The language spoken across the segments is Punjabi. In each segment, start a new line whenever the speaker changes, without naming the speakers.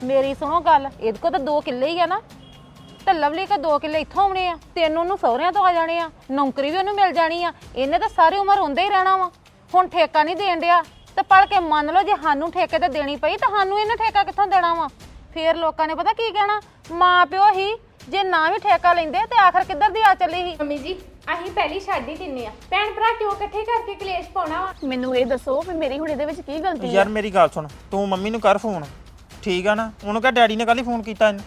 ਮੇਰੀ ਸੁਣੋ ਗੱਲ, ਇਹਦੇ ਕੋਲ ਤਾਂ 2 ਕਿੱਲੇ ਹੀ ਆ ਨਾ, ਤੇ ਲਵਲੀ ਕੋ 2 ਕਿੱਲੇ ਇੱਥੋਂ ਆਉਣੇ ਆ, 3 ਉਹਨੂੰ ਸਹੁਰਿਆਂ ਤੋਂ ਆ ਜਾਣੇ ਆ, ਨੌਕਰੀ ਵੀ ਉਹਨੂੰ ਮਿਲ ਜਾਣੀ ਆ। ਇਹਨੇ ਤਾਂ ਸਾਰੀ ਉਮਰ ਹੁੰਦੇ ਹੀ ਰਹਿਣਾ ਵਾ। ਹੁਣ ਠੇਕਾ ਨਹੀਂ ਦੇਣ ਡਿਆ ਤੇ ਪੜ ਕੇ ਮੰਨ ਲਓ ਜੇ ਸਾਨੂੰ ਠੇਕੇ ਤੇ ਦੇਣੀ ਪਈ ਤਾਂ ਸਾਨੂੰ ਇਹਨੇ ਠੇਕਾ ਕਿੱਥੋਂ ਦੇਣਾ ਵਾ? ਫੇਰ ਲੋਕਾਂ ਨੇ ਪਤਾ ਕੀ ਕਹਿਣਾ, ਮਾਂ ਪਿਓ ਹੀ ਜੇ ਨਾ ਵੀ ਠੇਕਾ ਲੈਂਦੇ ਤੇ ਆਖਰ ਕਿੱਧਰ ਦੀ ਆ ਚੱਲੀ ਸੀ।
ਮੰਮੀ ਜੀ ਅਸੀਂ ਪਹਿਲੀ ਛੱਡ ਹੀ ਦਿੰਨੇ ਆ, ਭੈਣ ਭਰਾ ਕਿਉਂ ਇਕੱਠੇ ਕਰਕੇ ਕਲੇਸ਼ ਪਾਉਣਾ ਵਾ?
ਮੈਨੂੰ ਇਹ ਦੱਸੋ ਵੀ ਮੇਰੀ ਹੁਣ ਇਹਦੇ ਵਿੱਚ ਕੀ ਗਲਤੀ ਹੈ?
ਯਾਰ ਮੇਰੀ ਗੱਲ ਸੁਣ, ਤੂੰ ਮੰਮੀ ਨੂੰ ਕਰ ਫੋਨ, ਠੀਕ ਆ ਨਾ? ਉਹਨੂੰ ਕਹ ਡੈਡੀ ਨੇ ਕੱਲ ਹੀ ਫੋਨ ਕੀਤਾ ਇਹਨੂੰ।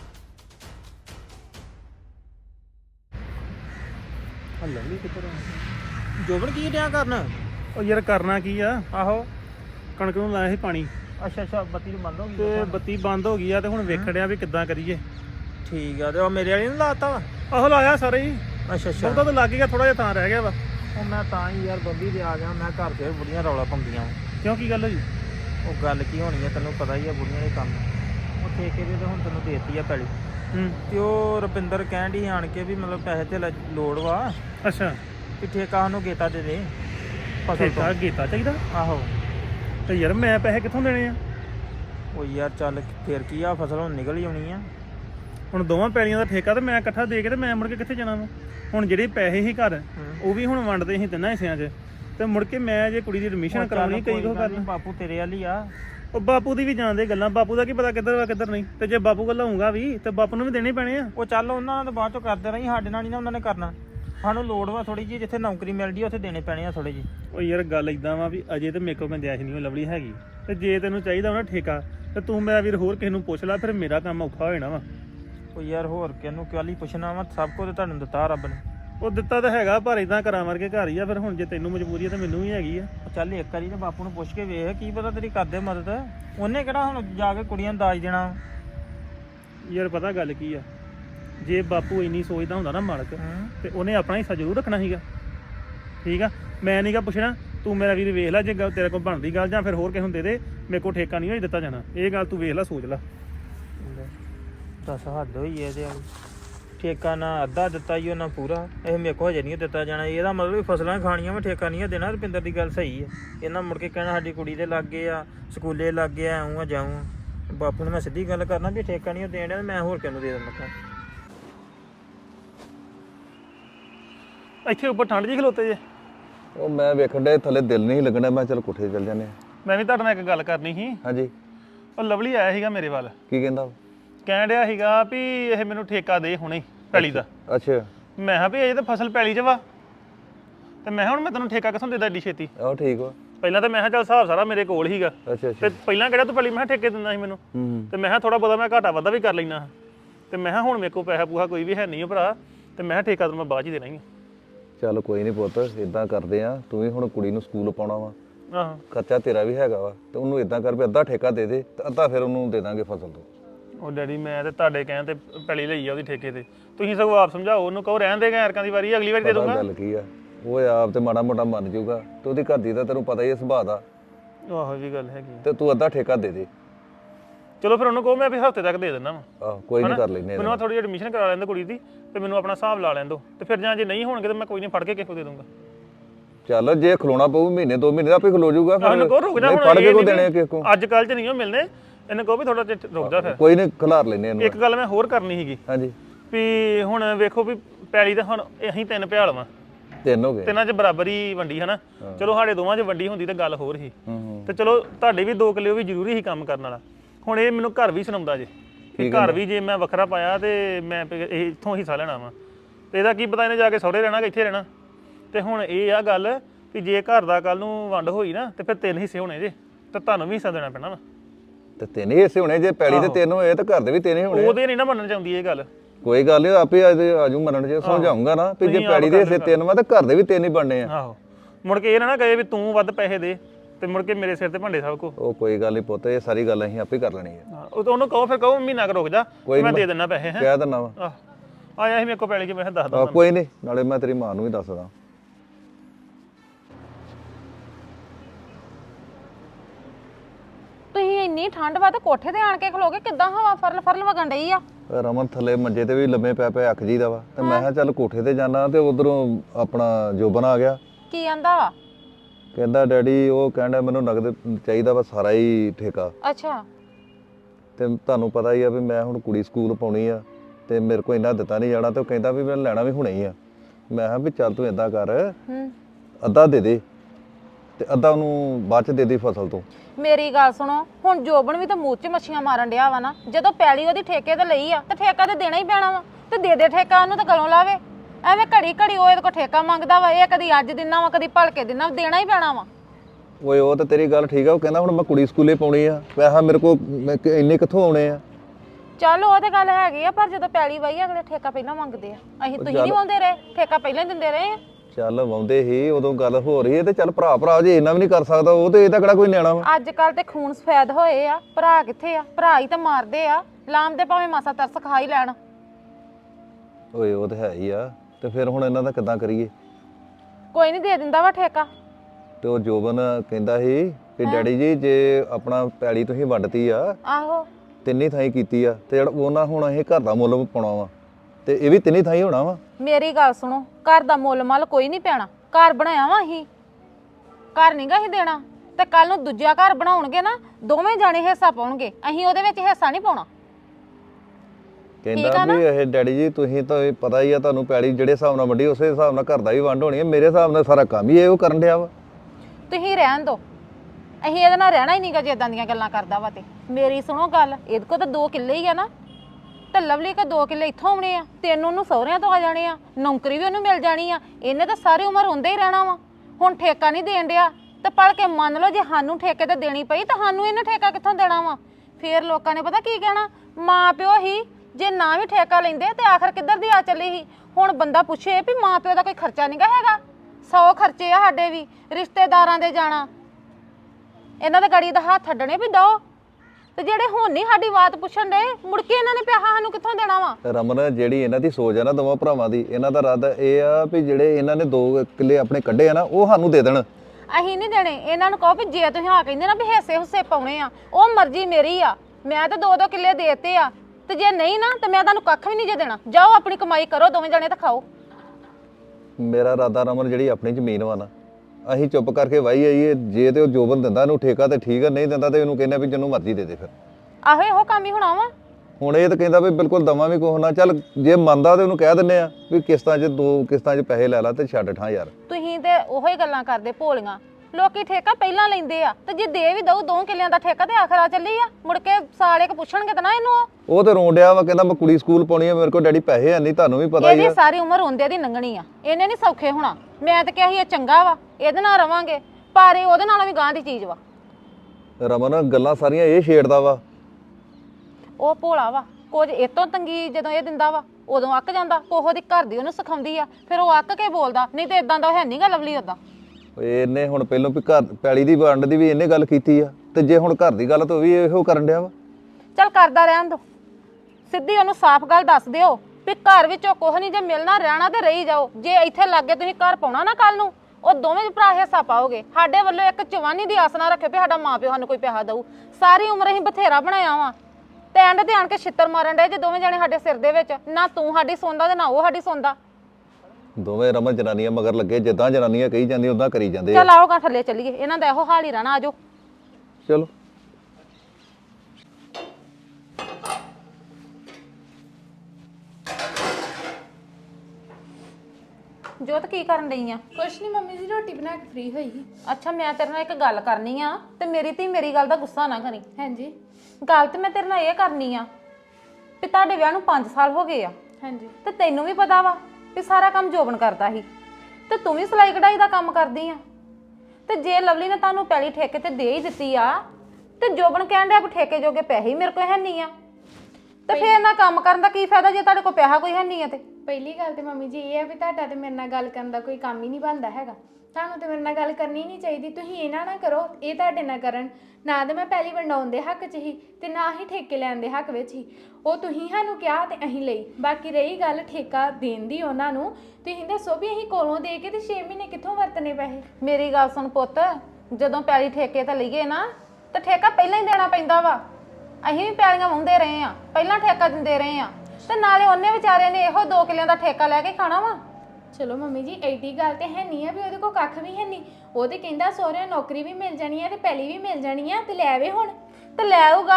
ਲਵਲੀ ਕਿੱਧਰ ਆ?
ਜੋਬਨ ਕੀ ਡਿਆ ਕਰਨ?
ਉਹ ਯਾਰ ਕਰਨਾ ਕੀ ਆ,
ਆਹੋ।
ਕਣਕ ਨੂੰ ਲਾਇਆ ਸੀ ਪਾਣੀ
ਅੱਛਾ ਅੱਛਾ, ਬੱਤੀ ਨੂੰ ਬੰਦ ਹੋ ਗਈ
ਤੇ ਬੱਤੀ ਬੰਦ ਹੋ ਗਈ ਆ ਤੇ ਹੁਣ ਵੇਖੜਿਆ ਵੀ ਕਿੱਦਾਂ ਕਰੀਏ।
ਠੀਕ ਆ, ਤੇ ਉਹ ਮੇਰੇ ਵਾਲੀ ਨੂੰ ਲਾਤਾ ਵਾ?
ਆਹੋ ਲਾਇਆ ਸਾਰੇ ਹੀ,
ਅੱਛਾ ਅੱਛਾ।
ਬਹੁਤਾ ਤਾਂ ਲੱਗ ਗਿਆ, ਥੋੜਾ ਜਿਹਾ ਤਾਂ ਰਹਿ ਗਿਆ ਵਾ।
ਉਹ ਮੈਂ ਤਾਂ ਹੀ ਯਾਰ ਬੰਬੀ ਦੇ ਆ ਗਿਆ, ਮੈਂ ਘਰ ਦੇ ਬੁੜੀਆਂ ਰੌਲਾ ਪਾਉਂਦੀਆਂ।
ਕਿਉਂ, ਕੀ ਗੱਲ ਹੋਈ?
ਉਹ ਗੱਲ ਕੀ ਹੋਣੀ ਆ, ਤੈਨੂੰ ਪਤਾ ਹੀ ਆ ਬੁੜੀਆਂ ਦੇ ਕੰਮ। ਉਹ ਠੇਕੇ ਦੇ ਤੇ ਹੁਣ ਤੈਨੂੰ ਦੇਤੀ ਆ ਪੈਲੀ, ਤੇ ਉਹ ਰੁਪਿੰਦਰ ਕਹਿਣ ਡਈ ਆਣ ਕੇ ਵੀ ਮਤਲਬ ਪੈਸੇ ਤੇ ਲੋੜ ਵਾ,
ਅੱਛਾ,
ਕਿ ਠੇਕਾ ਉਹਨੂੰ ਗੇਤਾ ਦੇ ਦੇ ਫਸਲ ਤੋਂ।
ਠੇਕਾ ਗੀਤਾ ਚਾਹੀਦਾ?
ਆਹੋ।
ਤੇ ਯਾਰ ਮੈਂ ਪੈਸੇ ਕਿੱਥੋਂ ਦੇਣੇ ਆ?
ਉਹ ਯਾਰ ਚੱਲ ਫੇਰ ਕੀ ਆ, ਫਸਲ ਹੁਣ ਨਿਕਲ ਹੀ ਆਉਣੀ ਆ।
ਹੁਣ ਦੋਵਾਂ ਪੈਲੀਆਂ ਦਾ ਠੇਕਾ ਤੇ ਮੈਂ ਇਕੱਠਾ ਦੇ ਕੇ ਤੇ ਮੈਂ ਮੁੜ ਕੇ ਕਿੱਥੇ ਜਾਣਾ ਵਾ? ਹੁਣ ਜਿਹੜੇ ਪੈਸੇ ਹੀ ਘਰ ਉਹ ਵੀ ਹੁਣ ਵੰਡਦੇ ਸੀ 3 ਹਿੱਸਿਆਂ 'ਚ, ਤੇ ਮੁੜ ਕੇ ਮੈਂ ਜੇ ਕੁੜੀ ਦੀ ਐਡਮਿਸ਼ਨ ਕਰਾਉਣੀ ਕਈ ਕੋ ਕਰਨਾ।
ਬਾਪੂ ਤੇਰੇ ਵਾਲੀ ਆ।
ਉਹ ਬਾਪੂ ਦੀ ਵੀ ਜਾਣਦੇ ਗੱਲਾਂ, ਬਾਪੂ ਦਾ ਕੀ ਪਤਾ ਕਿੱਧਰ ਵਾ ਕਿੱਧਰ ਨਹੀਂ, ਤੇ ਜੇ ਬਾਪੂ ਕੋਲ ਲਾਉਂਗਾ ਵੀ ਤੇ ਬਾਪੂ ਨੂੰ ਵੀ ਦੇਣੇ ਪੈਣੇ ਆ।
ਉਹ ਚੱਲ ਉਹਨਾਂ ਨਾਲ ਤਾਂ ਬਾਅਦ ਚੋਂ ਕਰਦੇ ਰਹੀ, ਸਾਡੇ ਨਾਲ ਨਹੀਂ ਨਾ ਉਹਨਾਂ ਨੇ ਕਰਨਾ। ਸਾਨੂੰ ਲੋੜ ਵਾ ਥੋੜੀ ਜਿਹੀ, ਜਿੱਥੇ ਨੌਕਰੀ ਮਿਲਦੀ ਉੱਥੇ ਦੇਣੇ ਪੈਣੇ ਆ ਥੋੜੇ ਜਿਹੇ।
ਉਹ ਯਾਰ ਗੱਲ ਇਦਾਂ ਵਾ ਵੀ ਅਜੇ ਤੇ ਮੇਰੇ ਕੋਲ ਗੁੰਜਾਇਸ਼ ਨਹੀਂ ਲਵਲੀ ਹੈਗੀ, ਤੇ ਜੇ ਤੈਨੂੰ ਚਾਹੀਦਾ ਹੋਣਾ ਠੇਕਾ ਤੇ ਤੂੰ ਮੇਰਾ ਵੀਰ ਹੋਰ ਕਿਸੇ ਨੂੰ ਪੁੱਛ ਲੈ, ਫਿਰ ਮੇਰਾ ਕੰਮ ਔਖਾ ਹੋ ਜਾਣਾ ਵਾ।
ਉਹ ਯਾਰ ਹੋਰ ਕਿਹਨੂੰ ਕਿਉਂ ਪੁੱਛਣਾ ਵਾ, ਸਭ ਕੁਝ ਤੁਹਾਨੂੰ ਦਿੱਤਾ ਰੱਬ ਨੇ।
ਉਹ ਦਿੱਤਾ ਤਾਂ ਹੈਗਾ, ਪਰ ਇਦਾਂ ਕਰਾਂ ਵਰਗੇ ਘਰ ਹੀ ਆ, ਫਿਰ ਹੁਣ ਜੇ ਤੈਨੂੰ ਮਜਬੂਰੀ ਆ ਤੇ ਮੈਨੂੰ ਵੀ ਹੈਗੀ ਆ।
ਉਹ ਚੱਲ ਇੱਕ ਵਾਰੀ ਤੇ ਬਾਪੂ ਨੂੰ ਪੁੱਛ ਕੇ ਵੇਖ, ਕੀ ਪਤਾ ਤੇਰੀ ਕਰਦੇ ਮਦਦ। ਉਹਨੇ ਕਿਹੜਾ ਹੁਣ ਜਾ ਕੇ ਕੁੜੀਆਂ ਨੂੰ ਦਾਜ ਦੇਣਾ।
ਯਾਰ ਪਤਾ ਗੱਲ ਕੀ ਆ, ਜੇ ਬਾਪੂ ਇੰਨੀ ਸੋਚਦਾ ਹੁੰਦਾ ਨਾ ਮਾਲਕ, ਤੇ ਉਹਨੇ ਆਪਣਾ ਹਿੱਸਾ ਜ਼ਰੂਰ ਰੱਖਣਾ ਸੀਗਾ, ਠੀਕ ਆ? ਮੈਂ ਨਹੀਂਗਾ ਪੁੱਛਣਾ, ਤੂੰ ਮੇਰਾ ਵੀਰ ਵੇਖ ਲੈ, ਜੇ ਤੇਰੇ ਕੋਲ ਬਣਦੀ ਗੱਲ ਜਾਂ ਫਿਰ ਹੋਰ ਕਿਸੇ ਨੂੰ ਦੇ ਦੇ, ਮੇਰੇ ਕੋਲ ਠੇਕਾ ਨਹੀਂ ਹੋਈ ਦਿੱਤਾ ਜਾਣਾ। ਇਹ ਗੱਲ ਤੂੰ ਵੇਖ ਲੈ, ਸੋਚ ਲੈ।
ਦੱਸ ਹੱਦ ਹੋਈ ਇਹਦੇ ਵਾਲੀ। ਠੇਕਾ ਨਾ ਅੱਧਾ ਦਿੱਤਾ ਹੀ ਉਹ ਨਾ ਪੂਰਾ, ਇਹ ਮੇਰੇ ਕੋਲ ਹਜੇ ਨਹੀਂ ਦਿੱਤਾ ਜਾਣਾ। ਇਹਦਾ ਮਤਲਬ ਵੀ ਫਸਲਾਂ ਖਾਣੀਆਂ ਵਾ, ਠੇਕਾ ਨਹੀਂ ਦੇਣਾ। ਰੁਪਿੰਦਰ ਦੀ ਗੱਲ ਸਹੀ ਹੈ, ਇਹਨਾਂ ਮੁੜ ਕੇ ਕਹਿਣਾ ਸਾਡੀ ਕੁੜੀ ਦੇ ਲੱਗੇ ਆ, ਸਕੂਲੇ ਲੱਗੇ ਆ, ਆਉਂ ਆ ਜਾਊਂ ਆ। ਬਾਪੂ ਨੂੰ ਮੈਂ ਸਿੱਧੀ ਗੱਲ ਕਰਨਾ ਵੀ ਠੇਕਾ ਨਹੀਂ ਦੇਣ ਡਿਆ, ਮੈਂ ਹੋਰ ਕਿਹਨੂੰ ਦੇ ਦਿੰਦਾ।
ਇੱਥੇ ਉੱਪਰ ਠੰਡ ਜੀ ਖਲੋਤੇ ਜੇ?
ਉਹ ਮੈਂ ਵੇਖਣ ਡਿਆ ਥੱਲੇ ਦਿਲ ਨਹੀਂ ਲੱਗਣਾ, ਮੈਂ ਚਲ ਕੋਠੇ ਚੱਲ ਜਾਂਦੇ ਆ।
ਮੈਂ ਵੀ ਤੁਹਾਡੇ ਨਾਲ ਇੱਕ ਗੱਲ ਕਰਨੀ ਸੀ।
ਹਾਂਜੀ।
ਉਹ ਲਵਲੀ ਆਇਆ ਸੀਗਾ ਮੇਰੇ ਵੱਲ,
ਕੀ ਕਹਿੰਦਾ?
ਕਹਿਣ ਡਿਆ ਸੀਗਾ ਵੀ ਇਹ ਮੈਨੂੰ ਠੇਕਾ ਦੇ ਹੁਣੇ ਪੈਲੀ ਦਾ।
ਅੱਛਾ।
ਮੈਂ ਕਿਹਾ ਵੀ ਇਹ ਤਾਂ ਫਸਲ ਪੈਲੀ 'ਚ ਵਾ, ਤੇ ਮੈਂ ਹੁਣ ਮੈਂ ਤੈਨੂੰ ਠੇਕਾ ਕਿੱਥੋਂ ਦੇਦਾ ਏਡੀ ਛੇਤੀ?
ਆਹੋ ਠੀਕ ਵਾ।
ਪਹਿਲਾਂ ਤਾਂ ਮੈਂ ਕਿਹਾ ਚੱਲ ਹਿਸਾਬ ਸਾਰਾ ਮੇਰੇ ਕੋਲ ਹੀਗਾ,
ਅੱਛਾ ਅੱਛਾ।
ਤੇ ਪਹਿਲਾਂ ਕਿਹੜਾ ਤੂੰ ਪੈਲੀ ਮੈਂ ਕਿਹਾ ਠੇਕੇ ਦਿੰਦਾ ਸੀ ਮੈਨੂੰ, ਤੇ ਮੈਂ ਕਿਹਾ ਥੋੜਾ ਬਹੁਤਾ ਮੈਂ ਘਾਟਾ ਵਾਧਾ ਵੀ ਕਰ ਲੈਣਾ, ਤੇ ਮੈਂ ਕਿਹਾ ਹੁਣ ਮੇਰੇ ਕੋਲ ਪੈਸਾ ਪੂਹਾ ਕੋਈ ਵੀ ਹੈ ਨਹੀਂ ਭਰਾ, ਤੇ ਮੈਂ ਕਿਹਾ ਠੇਕਾ ਤੈਨੂੰ ਮੈਂ ਬਾਅਦ 'ਚ ਹੀ ਦੇਣਾ ਹੀ।
ਚੱਲ ਕੋਈ ਨਹੀਂ ਪੁੱਤ, ਇਦਾਂ ਕਰਦੇ ਆ, ਤੂੰ ਵੀ ਹੁਣ ਕੁੜੀ ਨੂੰ ਸਕੂਲ ਪਾਉਣਾ ਵਾ,
ਆਹੋ
ਖਰਚਾ ਤੇਰਾ ਵੀ ਹੈਗਾ ਵਾ, ਤੇ ਉਹਨੂੰ ਇਦਾਂ ਕਰ ਵੀ ਅੱਧਾ ਠੇਕਾ ਦੇ ਦੇ ਤੇ ਅੱਧਾ ਫਿਰ ਉਹਨੂੰ ਦੇ ਦਾਂਗੇ ਫਸਲ ਤੋਂ।
ਉਹ ਡੈਡੀ ਮੈਂ ਤੇ ਤੁਹਾਡੇ ਕਹਿਣ ਤੇ ਪੈਲੀ ਲਈ ਆ ਉਹਦੀ ਠੇਕੇ ਤੇ, ਤੁਸੀਂ ਸਗੋਂ ਆਪ ਸਮਝਾਓ ਉਹਨੂੰ, ਕਹੋ ਰਹਿਣ ਦੇ ਐਰਕਾਂ ਦੀ ਵਾਰੀ, ਅਗਲੀ ਵਾਰੀ ਦੇ ਦੂੰਗਾ।
ਗੱਲ ਕੀ ਆ, ਉਹ ਆਪ ਤੇ ਮਾੜਾ ਮੋਟਾ ਮੰਨ ਜਾਊਗਾ, ਤੇ ਉਹਦੀ ਘਰ ਦੀ ਦਾ ਤੈਨੂੰ ਪਤਾ ਹੀ ਹੈ ਸੁਭਾਅ ਦਾ,
ਆਹੋ ਵੀ ਗੱਲ ਹੈਗੀ।
ਤੇ ਤੂੰ ਅੱਧਾ ਠੇਕਾ ਦੇ ਦੇ।
ਚਲੋ ਫਿਰ ਉਹਨੂੰ ਕਹੋ ਮੈਂ ਵੀ ਹਫ਼ਤੇ ਤੱਕ ਦੇ ਦਿੰਦਾ ਵਾ।
ਆਹ ਕੋਈ ਨਹੀਂ, ਕਰ ਲੈਨੇ
ਮੈਨੂੰ ਥੋੜੀ ਜਿਹੀ ਐਡਮਿਸ਼ਨ ਕਰਾ ਲੈਂਦੇ ਕੁੜੀ ਦੀ, ਤੇ ਮੈਨੂੰ ਆਪਣਾ ਹਿਸਾਬ ਲਾ ਲੈਣ ਦਿਓ, ਤੇ ਫਿਰ ਜਾਂ ਜੇ ਨਹੀਂ ਹੋਣਗੇ ਤਾਂ ਮੈਂ ਕੋਈ ਨਹੀਂ ਫੜ ਕੇ ਕਿਸੇ ਨੂੰ ਦੇ ਦੂੰਗਾ।
ਚੱਲ ਜੇ ਖਲੋਣਾ ਪਊ ਮਹੀਨੇ 2 ਮਹੀਨੇ ਦਾ ਆਪੇ ਖਲੋ ਜਾਊਗਾ,
ਇਹਨੂੰ ਕਹੋ ਰੁਕ ਜਾ,
ਫੜ ਕੇ ਕੋ ਦੇਣੇ ਕਿਸੇ ਕੋ?
ਅੱਜ ਕੱਲ 'ਚ ਨਹੀਂ ਉਹ ਮਿਲਨੇ, ਇਹਨੂੰ ਕਹੋ ਵੀ ਥੋੜਾ ਜਿਹਾ ਰੁਕ ਜਾ। ਫਿਰ
ਕੋਈ ਨਹੀਂ, ਖਿਲਾਰ ਲੈਨੇ ਇਹਨੂੰ।
ਇੱਕ ਗੱਲ ਮੈਂ ਹੋਰ ਕਰਨੀ ਸੀਗੀ।
ਹਾਂਜੀ।
ਵੀ ਹੁਣ ਵੇਖੋ ਵੀ ਪੈਲੀ ਤਾਂ ਹੁਣ ਅਸੀਂ 3 ਭਿਆਲ ਵਾਂ,
3 ਹੋ ਗਏ,
ਤਿੰਨਾਂ 'ਚ ਬਰਾਬਰ ਹੀ ਵੰਡੀ ਹਨਾ। ਚਲੋ ਸਾਡੇ ਦੋਵਾਂ 'ਚ ਵੰਡੀ ਹੁੰਦੀ ਤਾਂ ਗੱਲ ਹੋਰ ਸੀ,
ਹੂੰ।
ਤੇ ਚਲੋ ਤੁਹਾਡੇ ਵੀ 2 ਕਿੱਲੇ ਉਹ ਵੀ ਜ਼ਰੂਰੀ ਸੀ ਕੰਮ ਕਰਨ ਵਾਲਾ। ਹੁਣ ਇਹ ਮੈਨੂੰ ਘਰ ਵੀ ਸੁਣਾਉਂਦਾ ਜੇ ਕਿ ਘਰ ਵੀ ਜੇ ਮੈਂ ਵੱਖਰਾ ਪਾਇਆ ਤੇ ਮੈਂ ਇਹ ਇੱਥੋਂ ਹਿੱਸਾ ਲੈਣਾ ਵਾ, ਤੇ ਇਹਦਾ ਕੀ ਪਤਾ ਇਹਨੇ ਜਾ ਕੇ ਸਹੁਰੇ ਰਹਿਣਾ ਕਿ ਇੱਥੇ ਰਹਿਣਾ। ਤੇ ਹੁਣ ਇਹ ਆ ਗੱਲ ਵੀ ਜੇ ਘਰ ਦਾ ਕੱਲ ਨੂੰ ਵੰਡ ਹੋਈ ਨਾ, ਤੇ ਫਿਰ 3 ਹਿੱਸੇ ਹੋਣੇ ਜੇ, ਤੇ ਤੁਹਾਨੂੰ ਵੀ ਹਿੱਸਾ ਦੇਣਾ ਪੈਣਾ ਵਾ।
ਤੇ 3 ਹੀ ਹਿੱਸੇ ਹੋਣੇ, ਜੇ ਪੈਲੀ ਦੇ 3 ਹੋਏ ਤਾਂ ਘਰ ਦੇ ਵੀ 3 ਹੀ ਹੋਣੇ।
ਉਹਦੇ ਨਹੀਂ ਨਾ ਮੰਨਣ ਚਾਹੁੰਦੀ ਇਹ ਗੱਲ।
ਕੋਈ ਗੱਲ ਨਹੀਂ, ਆਪੇ ਆਜੂ ਮੰਨਣ, ਜੇ ਸਮਝਾਉਂਗਾ ਨਾ ਵੀ ਜੇ ਪੈਲੀ ਦੇ ਹਿੱਸੇ 3 ਵਾ ਤਾਂ ਘਰ ਦੇ ਵੀ 3 ਹੀ ਬਣਨੇ ਆ।
ਆਹੋ, ਮੁੜ ਕੇ ਇਹ ਨਾ ਕਹੇ ਵੀ ਤੂੰ ਵੱਧ ਪੈਸੇ ਦੇ, ਤੇ ਮੁੜ ਕੇ ਮੇਰੇ ਸਿਰ ਤੇ ਭੰਡੇ ਸਭ ਕੋ।
ਉਹ ਕੋਈ ਗੱਲ ਨਹੀਂ ਪੁੱਤ, ਇਹ ਸਾਰੀ ਗੱਲ ਅਸੀਂ ਆਪੇ ਕਰ ਲੈਣੀ ਹੈ।
ਉਹਨੂੰ ਕਹੋ, ਫਿਰ ਕਹੋ ਮਹੀਨਾ ਕੁ ਰੁਕ ਜਾ, ਮੈਂ ਦੇ ਦਿੰਦਾ ਪੈਸੇ। ਹੈ
ਕਹਿ ਦਿੰਦਾ ਵਾ।
ਆਇਆ ਸੀ ਮੇਰੇ ਕੋਲ ਪੈਲੀ 'ਚ, ਮੈਂ ਕਿਹਾ ਦੱਸ ਦਿੰਦਾ।
ਕੋਈ ਨਹੀਂ, ਨਾਲੇ ਮੈਂ ਤੇਰੀ ਮਾਂ ਨੂੰ ਵੀ ਦੱਸਦਾ।
ਤੁਸੀਂ ਇੰਨੀ ਠੰਡ ਵਾ ਤੇ ਕੋਠੇ ਤੇ ਆਣ ਕੇ ਖਲੋਗੇ, ਕਿੱਦਾਂ ਹਵਾ ਫਰਲ ਫਰਲ ਵਗਣ ਡਈ ਆ?
ਰਮਨ ਥੱਲੇ ਮੰਜੇ ਤੇ ਵੀ ਲੰਮੇ ਪੈ ਪੈ ਅੱਖ ਜੀਦਾ ਵਾ, ਤੇ ਮੈਂ ਕਿਹਾ ਚੱਲ ਕੋਠੇ ਤੇ ਜਾਣਾ, ਤੇ ਉਧਰੋਂ ਆਪਣਾ ਜੋਬਨ ਆ ਗਿਆ।
ਕੀ ਆਂਦਾ ਵਾ?
ਕਹਿੰਦਾ ਡੈਡੀ ਉਹ ਕਹਿੰਦਾ ਮੈਨੂੰ ਨਗਦ ਚਾਹੀਦਾ ਵਾ ਸਾਰਾ ਹੀ ਠੇਕਾ।
ਅੱਛਾ।
ਤੇ ਤੁਹਾਨੂੰ ਪਤਾ ਹੀ ਆ ਵੀ ਮੈਂ ਹੁਣ ਕੁੜੀ ਸਕੂਲ ਪਾਉਣੀ ਆ ਤੇ ਮੇਰੇ ਕੋਲ ਇੰਨਾ ਦਿੱਤਾ ਨਹੀਂ ਜਾਣਾ ਤੇ ਉਹ ਕਹਿੰਦਾ ਵੀ ਮੈਂ ਲੈਣਾ ਵੀ ਹੁਣੇ ਹੀ ਆ। ਮੈਂ ਕਿਹਾ ਵੀ ਚੱਲ ਤੂੰ ਇਦਾਂ ਕਰ, ਅੱਧਾ ਦੇ ਦੇ ਤੇ ਅੱਧਾ ਉਹਨੂੰ ਬਾਅਦ ਚ ਦੇ ਦੇ ਫਸਲ ਤੋਂ।
ਮੇਰੀ ਗੱਲ ਸੁਣੋ, ਹੁਣ ਜੋਬਨ ਵੀ ਤਾਂ ਮੂੰਹ 'ਚ ਮੱਛੀਆਂ ਮਾਰਨ ਡਿਆ ਵਾ ਨਾ। ਜਦੋਂ ਪੈਲੀ ਉਹਦੀ ਠੇਕੇ ਤੇ ਲਈ ਆ ਤੇ ਠੇਕਾ ਤੇ ਦੇਣਾ ਹੀ ਪੈਣਾ ਵਾ, ਤੇ ਦੇ ਦੇ ਠੇਕਾ ਉਹਨੂੰ ਤਾਂ ਗਲੋਂ ਲਾਵੇ। ਐਵੇਂ ਘੜੀ ਘੜੀ ਉਹ ਇਹਦੇ ਕੋਲ ਠੇਕਾ ਮੰਗਦਾ ਵਾ, ਇਹ ਕਦੀ ਅੱਜ ਦਿਨਾ ਵਾ ਕਦੀ ਭਲਕੇ ਦਿਨਾ, ਦੇਣਾ ਹੀ ਪੈਣਾ ਵਾ।
ਓਏ ਉਹ ਤਾਂ ਤੇਰੀ ਗੱਲ ਠੀਕ ਆ, ਉਹ ਕਹਿੰਦਾ ਹੁਣ ਮੈਂ ਕੁੜੀ ਸਕੂਲੇ ਪਾਉਣੀ ਆ, ਪੈਸਾ ਮੇਰੇ ਕੋਲ ਇੰਨੇ ਕਿੱਥੋਂ ਆਉਣੇ ਆ।
ਚੱਲ ਉਹ ਤੇ ਗੱਲ ਹੈਗੀ ਆ, ਪਰ ਜਦੋਂ ਪੈਲੀ ਵਾਈ ਅਗਲੇ ਠੇਕਾ ਪਹਿਲਾਂ ਮੰਗਦੇ ਆ। ਅਸੀਂ ਤੁਸੀਂ ਨਹੀਂ ਮੰਗਦੇ ਰਹੇ, ਠੇਕਾ ਪਹਿਲਾਂ ਹੀ ਦਿੰਦੇ ਰਹੇ ਆ।
ਚੱਲ ਵਾਉਂਦੇ ਹੀ ਉਦੋਂ ਗੱਲ ਹੋ ਰਹੀ ਹੈ ਤੇ ਚੱਲ ਭਰਾ ਜੇ ਇੰਨਾ ਵੀ ਨਹੀਂ ਕਰ ਸਕਦਾ ਉਹ ਤੇ ਇਹ ਤਾਂ ਕਿਹੜਾ ਕੋਈ ਨਿਆਣਾ ਵਾ।
ਅੱਜ ਕੱਲ ਤੇ ਖੂਨ ਸਫੈਦ ਹੋਏ ਆ, ਭਰਾ ਕਿੱਥੇ ਆ? ਭਰਾ ਹੀ ਤਾਂ ਮਾਰਦੇ ਆ, ਲਾਮਦੇ ਭਾਵੇਂ ਮਾਸਾ ਤਰਸ ਖਾ ਹੀ ਲੈਣ।
ਓਏ ਉਹ ਤਾਂ ਹੈ ਹੀ ਆ, ਤੇ ਫਿਰ ਹੁਣ ਇਹਨਾਂ ਦਾ ਕਿੱਦਾਂ ਕਰੀਏ?
ਕੋਈ ਨਹੀਂ, ਦੇ ਦਿੰਦਾ ਵਾ ਠੇਕਾ।
ਤੇ ਉਹ ਜੋਬਨ ਕਹਿੰਦਾ ਸੀ ਕਿ ਡੈਡੀ ਜੀ ਜੇ ਆਪਣਾ ਪੈਲੀ ਤੁਸੀਂ ਵੰਡਤੀ ਆ,
ਆਹੋ
ਤਿੰਨੀ ਥਾਈ ਕੀਤੀ ਆ, ਤੇ ਜਿਹੜਾ ਉਹਨਾਂ ਹੁਣ ਇਹ ਘਰ ਦਾ ਮੁੱਲ ਪਾਉਣਾ ਵਾ ਤੇ ਇਹ ਵੀ ਤਿੰਨੀ ਥਾਈ ਹੋਣਾ ਵਾ।
ਮੇਰੀ ਗੱਲ ਸੁਣੋ, ਘਰ ਦਾ ਮੁੱਲ ਮੱਲ ਕੋਈ ਨਹੀਂ ਪੈਣਾ, ਘਰ ਬਣਾਇਆ ਵਾ ਅਸੀਂ, ਘਰ ਨਹੀਂਗਾ ਅਸੀਂ ਦੇਣਾ। ਤੇ ਕੱਲ ਨੂੰ ਦੂਜਾ ਘਰ ਬਣਾਉਣਗੇ ਨਾ, ਦੋਵੇਂ ਜਾਣੇ ਹਿੱਸਾ ਪਾਉਣਗੇ, ਅਸੀਂ ਉਹਦੇ ਵਿੱਚ ਹਿੱਸਾ ਨਹੀਂ ਪਾਉਣਾ।
ਕਹਿੰਦਾ ਵੀ ਇਹ ਡੈਡੀ ਜੀ ਤੁਸੀਂ ਤਾਂ ਇਹ ਪਤਾ ਹੀ ਆ, ਤੁਹਾਨੂੰ ਪੈਲੀ ਜਿਹੜੇ ਹਿਸਾਬ ਨਾਲ ਵੰਡੀ ਉਸੇ ਹਿਸਾਬ ਨਾਲ ਘਰ ਦਾ ਵੀ ਵੰਡ ਹੋਣੀ ਹੈ। ਮੇਰੇ ਹਿਸਾਬ ਨਾਲ ਸਾਰਾ ਕੰਮ ਹੀ ਇਹ ਉਹ ਕਰਨ ਡਿਆ ਵਾ।
ਤੁਸੀਂ ਰਹਿਣ ਦਿਓ, ਅਸੀਂ ਇਹਦੇ ਨਾਲ ਰਹਿਣਾ ਹੀ ਨਹੀਂਗਾ ਜੇ ਇਦਾਂ ਦੀਆਂ ਗੱਲਾਂ ਕਰਦਾ ਵਾ। ਤੇ ਮੇਰੀ ਸੁਣੋ ਗੱਲ, ਇਹਦੇ ਕੋਲ ਤਾਂ 2 ਕਿੱਲੇ ਹੀ ਆ ਨਾ, ਤੇ ਲਵਲੀ ਕੋ 2 ਕਿੱਲੇ ਇੱਥੋਂ ਆਉਣੇ ਆ, 3 ਉਹਨੂੰ ਸਹੁਰਿਆਂ ਤੋਂ ਆ ਜਾਣੇ ਆ, ਨੌਕਰੀ ਵੀ ਉਹਨੂੰ ਮਿਲ ਜਾਣੀ ਆ। ਇਹਨੇ ਤਾਂ ਸਾਰੀ ਉਮਰ ਹੁੰਦੇ ਹੀ ਰਹਿਣਾ ਵਾ। ਹੁਣ ਠੇਕਾ ਨਹੀਂ ਦੇਣ ਡਿਆ ਤੇ ਪੜ ਕੇ ਮੰਨ ਲਓ ਜੇ ਸਾਨੂੰ ਠੇਕੇ ਤੇ ਦੇਣੀ ਪਈ ਤਾਂ ਸਾਨੂੰ ਇਹਨੇ ਠੇਕਾ ਕਿੱਥੋਂ ਦੇਣਾ ਵਾ? ਫੇਰ ਲੋਕਾਂ ਨੇ ਪਤਾ ਕੀ ਕਹਿਣਾ, ਮਾਂ ਪਿਓ ਹੀ ਜੇ ਨਾ ਵੀ ਠੇਕਾ ਲੈਂਦੇ ਤੇ ਆਖਰ ਕਿੱਧਰ ਦੀ ਆ ਚੱਲੀ ਸੀ। ਹੁਣ ਬੰਦਾ ਪੁੱਛੇ ਵੀ ਮਾਂ ਪਿਓ ਦਾ ਕੋਈ ਖਰਚਾ ਨਹੀਂਗਾ ਹੈਗਾ? 100 ਖਰਚੇ ਆ ਸਾਡੇ ਵੀ, ਰਿਸ਼ਤੇਦਾਰਾਂ ਦੇ ਜਾਣਾ, ਇਹਨਾਂ ਦੇ ਗੜੀ ਦਾ ਹੱਥ ਅੱਡਣੇ ਵੀ ਦੋ। ਤੇ ਜਿਹੜੇ ਹੁਣ ਨਹੀਂ ਸਾਡੀ ਬਾਤ ਪੁੱਛਣ ਦੇ, ਮੁੜ ਕੇ ਇਹਨਾਂ ਨੇ ਪੈਸਾ ਸਾਨੂੰ ਕਿੱਥੋਂ ਦੇਣਾ ਵਾ?
ਰਮਨ ਜਿਹੜੀ ਇਹਨਾਂ ਦੀ ਸੋਚ ਆ ਨਾ ਦੋਵਾਂ ਭਰਾਵਾਂ ਦੀ, ਇਹਨਾਂ ਦਾ ਇਰਾਦਾ ਇਹ ਆ ਵੀ ਜਿਹੜੇ ਇਹਨਾਂ ਨੇ 2 ਕਿੱਲੇ ਆਪਣੇ ਕੱਢੇ ਆ ਨਾ ਉਹ ਸਾਨੂੰ ਦੇ ਦੇਣ।
ਅਸੀਂ ਨਹੀਂ ਦੇਣੇ। ਇਹਨਾਂ ਨੂੰ ਕਹੋ ਵੀ ਜੇ ਤੁਸੀਂ ਆ ਕਹਿੰਦੇ ਨਾ ਵੀ ਹਿੱਸੇ ਹੁੱਸੇ ਪਾਉਣੇ ਆ, ਉਹ ਮਰਜ਼ੀ ਮੇਰੀ ਆ, ਮੈਂ ਤਾਂ 2-2 ਕਿੱਲੇ ਦੇਤੇ ਆ, ਤੇ ਜੇ ਨਹੀਂ ਨਾ ਤੇ ਮੈਂ ਤੁਹਾਨੂੰ ਕੱਖ ਵੀ ਨਹੀਂ ਜੇ ਦੇਣਾ। ਜਾਓ ਆਪਣੀ ਕਮਾਈ ਕਰੋ, ਦੋਵੇਂ ਜਣੇ ਤਾਂ ਖਾਓ।
ਮੇਰਾ ਇਰਾਦਾ ਰਮਨ ਜਿਹੜੀ ਆਪਣੀ ਜ਼ਮੀਨ ਵਾ ਨਾ, ਅਸੀਂ ਚੁੱਪ ਕਰਕੇ ਵਾਹੀ ਆਈਏ। ਜੇ ਤੇ ਉਹ ਜੋਬਨ ਦਿੰਦਾ ਇਹਨੂੰ ਠੇਕਾ ਤੇ ਠੀਕ ਆ, ਨਹੀਂ ਦਿੰਦਾ ਤੇ ਇਹਨੂੰ ਕਹਿੰਦਾ ਵੀ ਜਿਹਨੂੰ ਮਰਜ਼ੀ ਦੇ ਦੇ। ਫਿਰ
ਆਹੋ ਇਹੋ ਕੰਮ ਹੀ ਹੋਣਾ ਵਾ।
ਹੁਣ ਇਹ ਤਾਂ ਕਹਿੰਦਾ ਵੀ ਬਿਲਕੁਲ ਦਵਾਂ ਵੀ ਕੁਛ ਨਾ। ਚੱਲ ਜੇ ਮੰਨਦਾ ਤੇ ਉਹਨੂੰ ਕਹਿ ਦਿੰਨੇ ਆ ਵੀ ਕਿਸ਼ਤਾਂ 'ਚ 2 ਕਿਸ਼ਤਾਂ 'ਚ ਪੈਸੇ ਲੈ ਲਾ ਤੇ ਛੱਡ ਠਾਂ ਯਾਰ।
ਤੁਸੀਂ ਤੇ ਉਹੋ ਹੀ ਗੱਲਾਂ ਕਰਦੇ ਭੋਲੀਆਂ। ਲੋਕੀ ਠੇਕਾ ਪਹਿਲਾਂ ਲੈਂਦੇ ਆ, ਤੇ ਜੇ ਦੇ ਵੀ ਦਊ 2 ਕਿੱਲਿਆਂ ਦਾ ਠੇਕਾ ਤੇ ਆਖਰ ਆ ਚੱਲੀ ਆ, ਮੁੜ ਕੇ ਸਾਲੇ ਕ ਪੁੱਛਣਗੇ ਤਾਂ ਨਾ ਇਹਨੂੰ।
ਉਹ ਤੇ ਰੋਣ ਡਿਆ ਵਾ, ਕਹਿੰਦਾ ਮੈਂ ਕੁੜੀ ਸਕੂਲ ਪਾਉਣੀ ਆ, ਮੇਰੇ ਕੋਲ ਡੈਡੀ ਪੈਸੇ ਹੈ ਨਹੀਂ, ਤੁਹਾਨੂੰ ਵੀ ਪਤਾ ਹੀ
ਇਹਦੀ
ਆ।
ਸਾਰੀ ਉਮਰ ਹੁੰਦੇ ਦੀ ਲੰਘਣੀ ਆ, ਇਹਨੇ ਨਹੀਂ ਸੌਖੇ ਹੋਣਾ। ਮੈਂ ਤਾਂ ਕਿਹਾ ਸੀ ਇਹ ਚੰਗਾ ਵਾ, ਇਹਦੇ ਨਾਲ ਰਵਾਂਗੇ, ਪਰ ਇਹ ਉਹਦੇ ਨਾਲੋਂ ਵੀ ਗਾਂਹ ਦੀ ਚੀਜ਼ ਵਾ।
ਰਮਨ ਗੱਲਾਂ ਸਾਰੀਆਂ ਇਹ ਛੇੜਦਾ ਵਾ।
ਉਹ ਭੋਲਾ ਵਾ, ਕੁਝ ਇਹ ਤੋਂ ਤੰਗੀ ਜਦੋਂ ਇਹ ਦਿੰਦਾ ਵਾ ਉਦੋਂ ਅੱਕ ਜਾਂਦਾ, ਕੋਹੋ ਦੀ ਘਰ ਦੀ ਉਹਨੂੰ ਸਿਖਾਉਂਦੀ ਆ, ਫਿਰ ਉਹ ਅੱਕ ਕੇ ਬੋਲਦਾ। ਨਹੀਂ ਤੇ ਇਦਾਂ ਦਾ ਹੈ ਨਹੀਂਗਾ ਲਵਲੀ ਉਦਾਂ।
ਇਹਨੇ ਹੁਣ ਪਹਿਲੋਂ ਵੀ ਘਰ ਪੈਲੀ ਦੀ ਵੰਡ ਦੀ ਵੀ ਇਹਨੇ ਗੱਲ ਕੀਤੀ ਆ, ਤੇ ਜੇ ਹੁਣ ਘਰ ਦੀ ਗੱਲ ਤਾਂ ਉਹ ਵੀ ਇਹੋ ਕਰਨ ਡਿਆ ਵਾ।
ਚੱਲ ਕਰਦਾ ਰਹਿਣ ਦੋ, ਸਿੱਧੀ ਉਹਨੂੰ ਸਾਫ਼ ਗੱਲ ਦੱਸ ਦਿਓ ਵੀ ਘਰ ਵਿੱਚੋਂ ਕੁਝ ਨਹੀਂ, ਜੇ ਮਿਲਣਾ ਰਹਿਣਾ ਤੇ ਰਹੀ ਜਾਓ। ਜੇ ਇੱਥੇ ਲੱਗੇ ਤੁਸੀਂ ਘਰ ਪਾਉਣਾ ਨਾ ਕੱਲ ਨੂੰ, ਉਹ ਦੋਵੇਂ ਭਰਾ ਹਿੱਸਾ ਪਾਓਗੇ। ਸਾਡੇ ਵੱਲੋਂ ਇੱਕ ਜਵਾਨੀ ਦੀ ਆਸ ਨਾ ਰੱਖਿਓ ਵੀ ਸਾਡਾ ਮਾਂ ਪਿਓ ਸਾਨੂੰ ਕੋਈ ਪੈਸਾ ਦਊ। ਸਾਰੀ ਉਮਰ ਅਸੀਂ ਬਥੇਰਾ ਬਣਾਇਆ ਵਾ, ਤੇ ਐਂਡ ਤੇ ਆਣ ਕੇ ਛਿੱਤਰ ਮਾਰਨ ਡੇ ਜੇ ਦੋਵੇਂ ਜਾਣੇ ਸਾਡੇ ਸਿਰ ਦੇ ਵਿੱਚ। ਨਾ ਤੂੰ ਸਾਡੀ ਸੁਣਦਾ ਤੇ ਨਾ ਉਹ ਸਾਡੀ ਸੁਣਦਾ।
ਦੋਵੇਂ ਰਮਨ ਜਨਾਨੀਆਂ ਮਗਰ ਲੱਗੇ, ਜਿੱਦਾਂ ਜਨਾਨੀਆਂ ਕਹੀ ਜਾਂਦੀਆਂ ਉਦਾਂ ਕਰੀ ਜਾਂਦੇ ਆ।
ਚੱਲ ਆਓ ਗਾ ਥੱਲੇ ਚੱਲੀਏ, ਇਹਨਾਂ ਦਾ ਇਹੋ ਹਾਲ ਹੀ ਰਹਿਣਾ। ਆਜੋ
ਚਲੋ
ਜੋਤ, ਕੀ ਕਰਨ ਡਈ ਆ?
ਕੁਛ ਨਹੀਂ ਮੰਮੀ ਜੀ, ਰੋਟੀ ਬਣਾ ਕੇ ਫ੍ਰੀ ਹੋਈ ਸੀ।
ਅੱਛਾ, ਮੈਂ ਤੇਰੇ ਨਾਲ ਇੱਕ ਗੱਲ ਕਰਨੀ ਆ, ਤੇ ਮੇਰੀ ਧੀ ਮੇਰੀ ਗੱਲ ਦਾ ਗੁੱਸਾ ਨਾ ਕਰੀ।
ਹਾਂਜੀ
ਗੱਲ ਤੇ ਮੈਂ ਤੇਰੇ ਨਾਲ ਇਹ ਕਰਨੀ ਆ ਵੀ ਤੁਹਾਡੇ ਵਿਆਹ ਨੂੰ 5 ਸਾਲ ਹੋ ਗਏ ਆ,
ਹਾਂਜੀ
ਤੇ ਤੈਨੂੰ ਵੀ ਪਤਾ ਵਾ ਵੀ ਸਾਰਾ ਕੰਮ ਜੋਬਨ ਕਰਦਾ ਸੀ, ਤੇ ਤੂੰ ਵੀ ਸਿਲਾਈ ਕਢਾਈ ਦਾ ਕੰਮ ਕਰਦੀ ਆ। ਤੇ ਜੇ ਲਵਲੀ ਨੇ ਤੁਹਾਨੂੰ ਪੈਲੀ ਠੇਕੇ ਤੇ ਦੇ ਹੀ ਦਿੱਤੀ ਆ, ਤੇ ਜੋਬਨ ਕਹਿਣ ਡਿਆ ਵੀ ਠੇਕੇ ਜੋਗੇ ਪੈਸੇ ਹੀ ਮੇਰੇ ਕੋਲ ਹੈ ਨਹੀਂ ਆ, ਤੇ ਫੇਰ ਨਾ ਕੰਮ ਕਰਨ ਦਾ ਕੀ ਫਾਇਦਾ ਜੇ ਤੁਹਾਡੇ ਕੋਲ ਪੈਸਾ ਕੋਈ ਹੈ ਨਹੀਂ ਆ। ਤੇ
ਪਹਿਲੀ ਗੱਲ ਤੇ ਮੰਮੀ ਜੀ ਇਹ ਆ ਵੀ ਤੁਹਾਡਾ ਤੇ ਮੇਰੇ ਨਾਲ ਗੱਲ ਕਰਨ ਦਾ ਕੋਈ ਕੰਮ ਹੀ ਨਹੀਂ ਬਣਦਾ ਹੈਗਾ। ਤੁਹਾਨੂੰ ਤੇ ਮੇਰੇ ਨਾਲ ਗੱਲ ਕਰਨੀ ਨਹੀਂ ਚਾਹੀਦੀ। ਤੁਸੀਂ ਇਹਨਾਂ ਨਾ ਕਰੋ, ਇਹ ਤੁਹਾਡੇ ਨਾਲ ਕਰਨ। ਨਾ ਤੇ ਮੈਂ ਪਹਿਲੀ ਵੰਡਾਉਣ ਦੇ ਹੱਕ 'ਚ ਹੀ, ਤੇ ਨਾ ਹੀ ਠੇਕੇ ਲੈਣ ਦੇ ਹੱਕ ਵਿੱਚ ਹੀ। ਉਹ ਤੁਸੀਂ ਸਾਨੂੰ ਕਿਹਾ ਤੇ ਅਸੀਂ ਲਈ। ਬਾਕੀ ਰਹੀ ਗੱਲ ਠੇਕਾ ਦੇਣ ਦੀ ਉਹਨਾਂ ਨੂੰ, ਤੁਸੀਂ ਦੱਸੋ ਵੀ ਅਸੀਂ ਕੋਲੋਂ ਦੇ ਕੇ ਤੇ 6 ਮਹੀਨੇ ਕਿੱਥੋਂ ਵਰਤਣੇ ਪੈਸੇ?
ਮੇਰੀ ਗੱਲ ਸੁਣ ਪੁੱਤ, ਜਦੋਂ ਪੈਲੀ ਠੇਕੇ ਤੇ ਲਈਏ ਨਾ, ਤੇ ਠੇਕਾ ਪਹਿਲਾਂ ਹੀ ਦੇਣਾ ਪੈਂਦਾ ਵਾ। ਅਸੀਂ ਵੀ ਪੈਲੀਆਂ ਵਾਹੁੰਦੇ ਰਹੇ ਆ, ਪਹਿਲਾਂ ਠੇਕਾ ਦਿੰਦੇ ਰਹੇ ਆ, ਤੇ ਨਾਲੇ ਉਹਨੇ ਵਿਚਾਰੇ ਨੇ ਇਹੋ 2 ਕਿੱਲਿਆਂ ਦਾ ਠੇਕਾ ਲੈ ਕੇ ਖਾਣਾ ਵਾ।
ਚਲੋ ਮੰਮੀ ਜੀ, ਐਡੀ ਗੱਲ ਤੇ ਹੈ ਨਹੀਂ ਆ ਵੀ ਉਹਦੇ ਕੋਲ ਕੱਖ ਵੀ ਹੈ ਨਹੀਂ। ਉਹ ਤੇ ਕਹਿੰਦਾ ਸਹੁਰਿਆਂ ਨੌਕਰੀ ਵੀ ਮਿਲ ਜਾਣੀ ਆ ਤੇ ਪੈਲੀ ਵੀ ਮਿਲ ਜਾਣੀ ਆ, ਤੇ ਲੈ ਆਵੇ ਹੁਣ।
ਤੇ ਲੈ ਆਊਗਾ,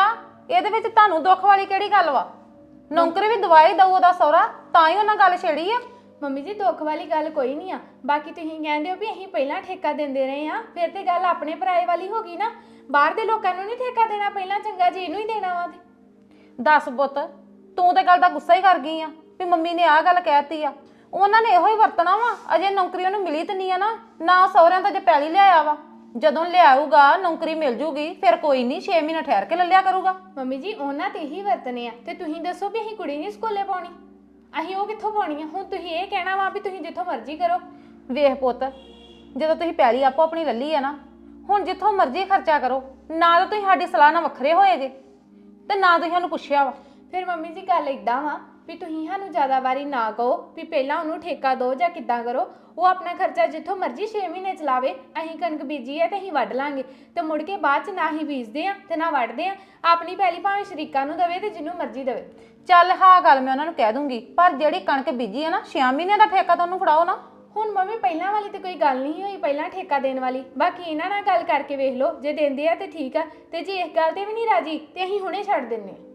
ਇਹਦੇ ਵਿੱਚ ਤੁਹਾਨੂੰ ਦੁੱਖ ਵਾਲੀ ਕਿਹੜੀ ਗੱਲ ਵਾ? ਨੌਕਰੀ ਵੀ ਦਵਾਈ ਦਊ ਉਹਦਾ ਸਹੁਰਾ, ਤਾਂ ਹੀ ਉਹਨਾਂ ਗੱਲ ਛੇੜੀ ਆ।
ਮੰਮੀ ਜੀ ਦੁੱਖ ਵਾਲੀ ਗੱਲ ਕੋਈ ਨਹੀਂ ਆ। ਬਾਕੀ ਤੁਸੀਂ ਕਹਿੰਦੇ ਹੋ ਵੀ ਅਸੀਂ ਪਹਿਲਾਂ ਠੇਕਾ ਦਿੰਦੇ ਰਹੇ ਆ, ਫਿਰ ਤੇ ਗੱਲ ਆਪਣੇ ਪਰਾਏ ਵਾਲੀ ਹੋ ਗਈ ਨਾ। ਬਾਹਰ ਦੇ ਲੋਕਾਂ ਨੂੰ ਨਹੀਂ ਠੇਕਾ ਦੇਣਾ ਪਹਿਲਾਂ, ਚੰਗਾ ਜੀ ਇਹਨੂੰ ਹੀ ਦੇਣਾ ਵਾ। ਤੇ
ਦੱਸ ਪੁੱਤ, ਤੂੰ ਤੇ ਗੱਲ ਦਾ ਗੁੱਸਾ ਹੀ ਕਰ ਗਈ ਆ ਵੀ ਮੰਮੀ ਨੇ ਆਹ ਗੱਲ ਕਹਿਤੀ ਆ। ਉਹਨਾਂ ਨੇ ਇਹੋ ਹੀ ਵਰਤਣਾ ਵਾ। ਅਜੇ ਨੌਕਰੀ ਉਹਨੂੰ ਮਿਲੀ ਤੇ ਨਹੀਂ ਆ ਨਾ ਸਹੁਰਿਆਂ ਤਾਂ ਜੇ ਪੈਲੀ ਲਿਆਇਆ ਵਾ। ਜਦੋਂ ਲਿਆਊਗਾ ਨੌਕਰੀ ਮਿਲ ਜੂਗੀ ਫਿਰ ਕੋਈ ਨਹੀਂ 6 ਮਹੀਨੇ ਠਹਿਰ ਕੇ ਲੈ ਲਿਆ ਕਰੂਗਾ।
ਮੰਮੀ ਜੀ ਉਹਨਾਂ ਤੇ ਹੀ ਵਰਤਨੇ ਆ। ਤੇ ਤੁਸੀਂ ਦੱਸੋ ਵੀ ਅਸੀਂ ਕੁੜੀ ਨਹੀਂ ਸਕੂਲੇ ਪਾਉਣੀ, ਅਸੀਂ ਉਹ ਕਿੱਥੋਂ ਪਾਉਣੀ ਆ? ਹੁਣ ਤੁਸੀਂ ਇਹ ਕਹਿਣਾ ਵਾ ਵੀ ਤੁਸੀਂ ਜਿੱਥੋਂ ਮਰਜ਼ੀ ਕਰੋ।
ਵੇਖ ਪੁੱਤ, ਜਦੋਂ ਤੁਸੀਂ ਪੈਲੀ ਆਪੋ ਆਪਣੀ ਲੱਲੀ ਆ ਨਾ, ਹੁਣ ਜਿੱਥੋਂ ਮਰਜ਼ੀ ਖਰਚਾ ਕਰੋ। ਨਾ ਤਾਂ ਤੁਸੀਂ ਸਾਡੀ ਸਲਾਹ ਨਾਲ ਵੱਖਰੇ ਹੋਏ ਜੇ ਤੇ ਨਾ ਤੁਸੀਂ ਸਾਨੂੰ ਪੁੱਛਿਆ ਵਾ।
ਫਿਰ ਮੰਮੀ ਜੀ ਗੱਲ ਇਦਾਂ ਵਾ ਵੀ ਤੁਸੀਂ ਸਾਨੂੰ ਜ਼ਿਆਦਾ ਵਾਰੀ ਨਾ ਕਹੋ ਵੀ ਪਹਿਲਾਂ ਉਹਨੂੰ ਠੇਕਾ ਦਿਓ ਜਾਂ ਕਿੱਦਾਂ ਕਰੋ। ਉਹ ਆਪਣਾ ਖਰਚਾ ਜਿੱਥੋਂ ਮਰਜ਼ੀ 6 ਮਹੀਨੇ ਚਲਾਵੇ। ਅਸੀਂ ਕਣਕ ਬੀਜੀ ਹੈ ਤੇ ਅਸੀਂ ਵੱਢ ਲਾਂਗੇ, ਤੇ ਮੁੜ ਕੇ ਬਾਅਦ ਚ ਨਾ ਹੀ ਬੀਜਦੇ ਆ ਤੇ ਨਾ ਵੱਢਦੇ ਆ। ਆਪਣੀ ਪੈਲੀ ਭਾਵੇਂ ਸ਼ਰੀਕਾਂ ਨੂੰ ਦੇਵੇ ਤੇ ਜਿਹਨੂੰ ਮਰਜ਼ੀ ਦੇਵੇ।
ਚੱਲ ਹਾਂ ਗੱਲ ਮੈਂ ਉਹਨਾਂ ਨੂੰ ਕਹਿ ਦੂੰਗੀ, ਪਰ ਜਿਹੜੀ ਕਣਕ ਬੀਜੀ ਆ ਨਾ 6 ਮਹੀਨਿਆਂ ਦਾ ਠੇਕਾ ਤਾਂ ਉਹਨੂੰ ਫੜਾਓ ਨਾ।
ਹੁਣ ਮੰਮੀ ਪਹਿਲਾਂ ਵਾਲੀ ਤੇ ਕੋਈ ਗੱਲ ਨਹੀਂ ਹੋਈ, ਪਹਿਲਾਂ ਠੇਕਾ ਦੇਣ ਵਾਲੀ। ਬਾਕੀ ਇਹਨਾਂ ਨਾਲ ਗੱਲ ਕਰਕੇ ਵੇਖ ਲਓ, ਜੇ ਦਿੰਦੇ ਆ ਤੇ ਠੀਕ ਆ, ਤੇ ਜੇ ਇਸ ਗੱਲ ਤੇ ਵੀ ਨਹੀਂ ਰਾਜੀ ਤੇ ਅਸੀਂ ਹੁਣੇ ਛੱਡ ਦਿੰਨੇ ਆ।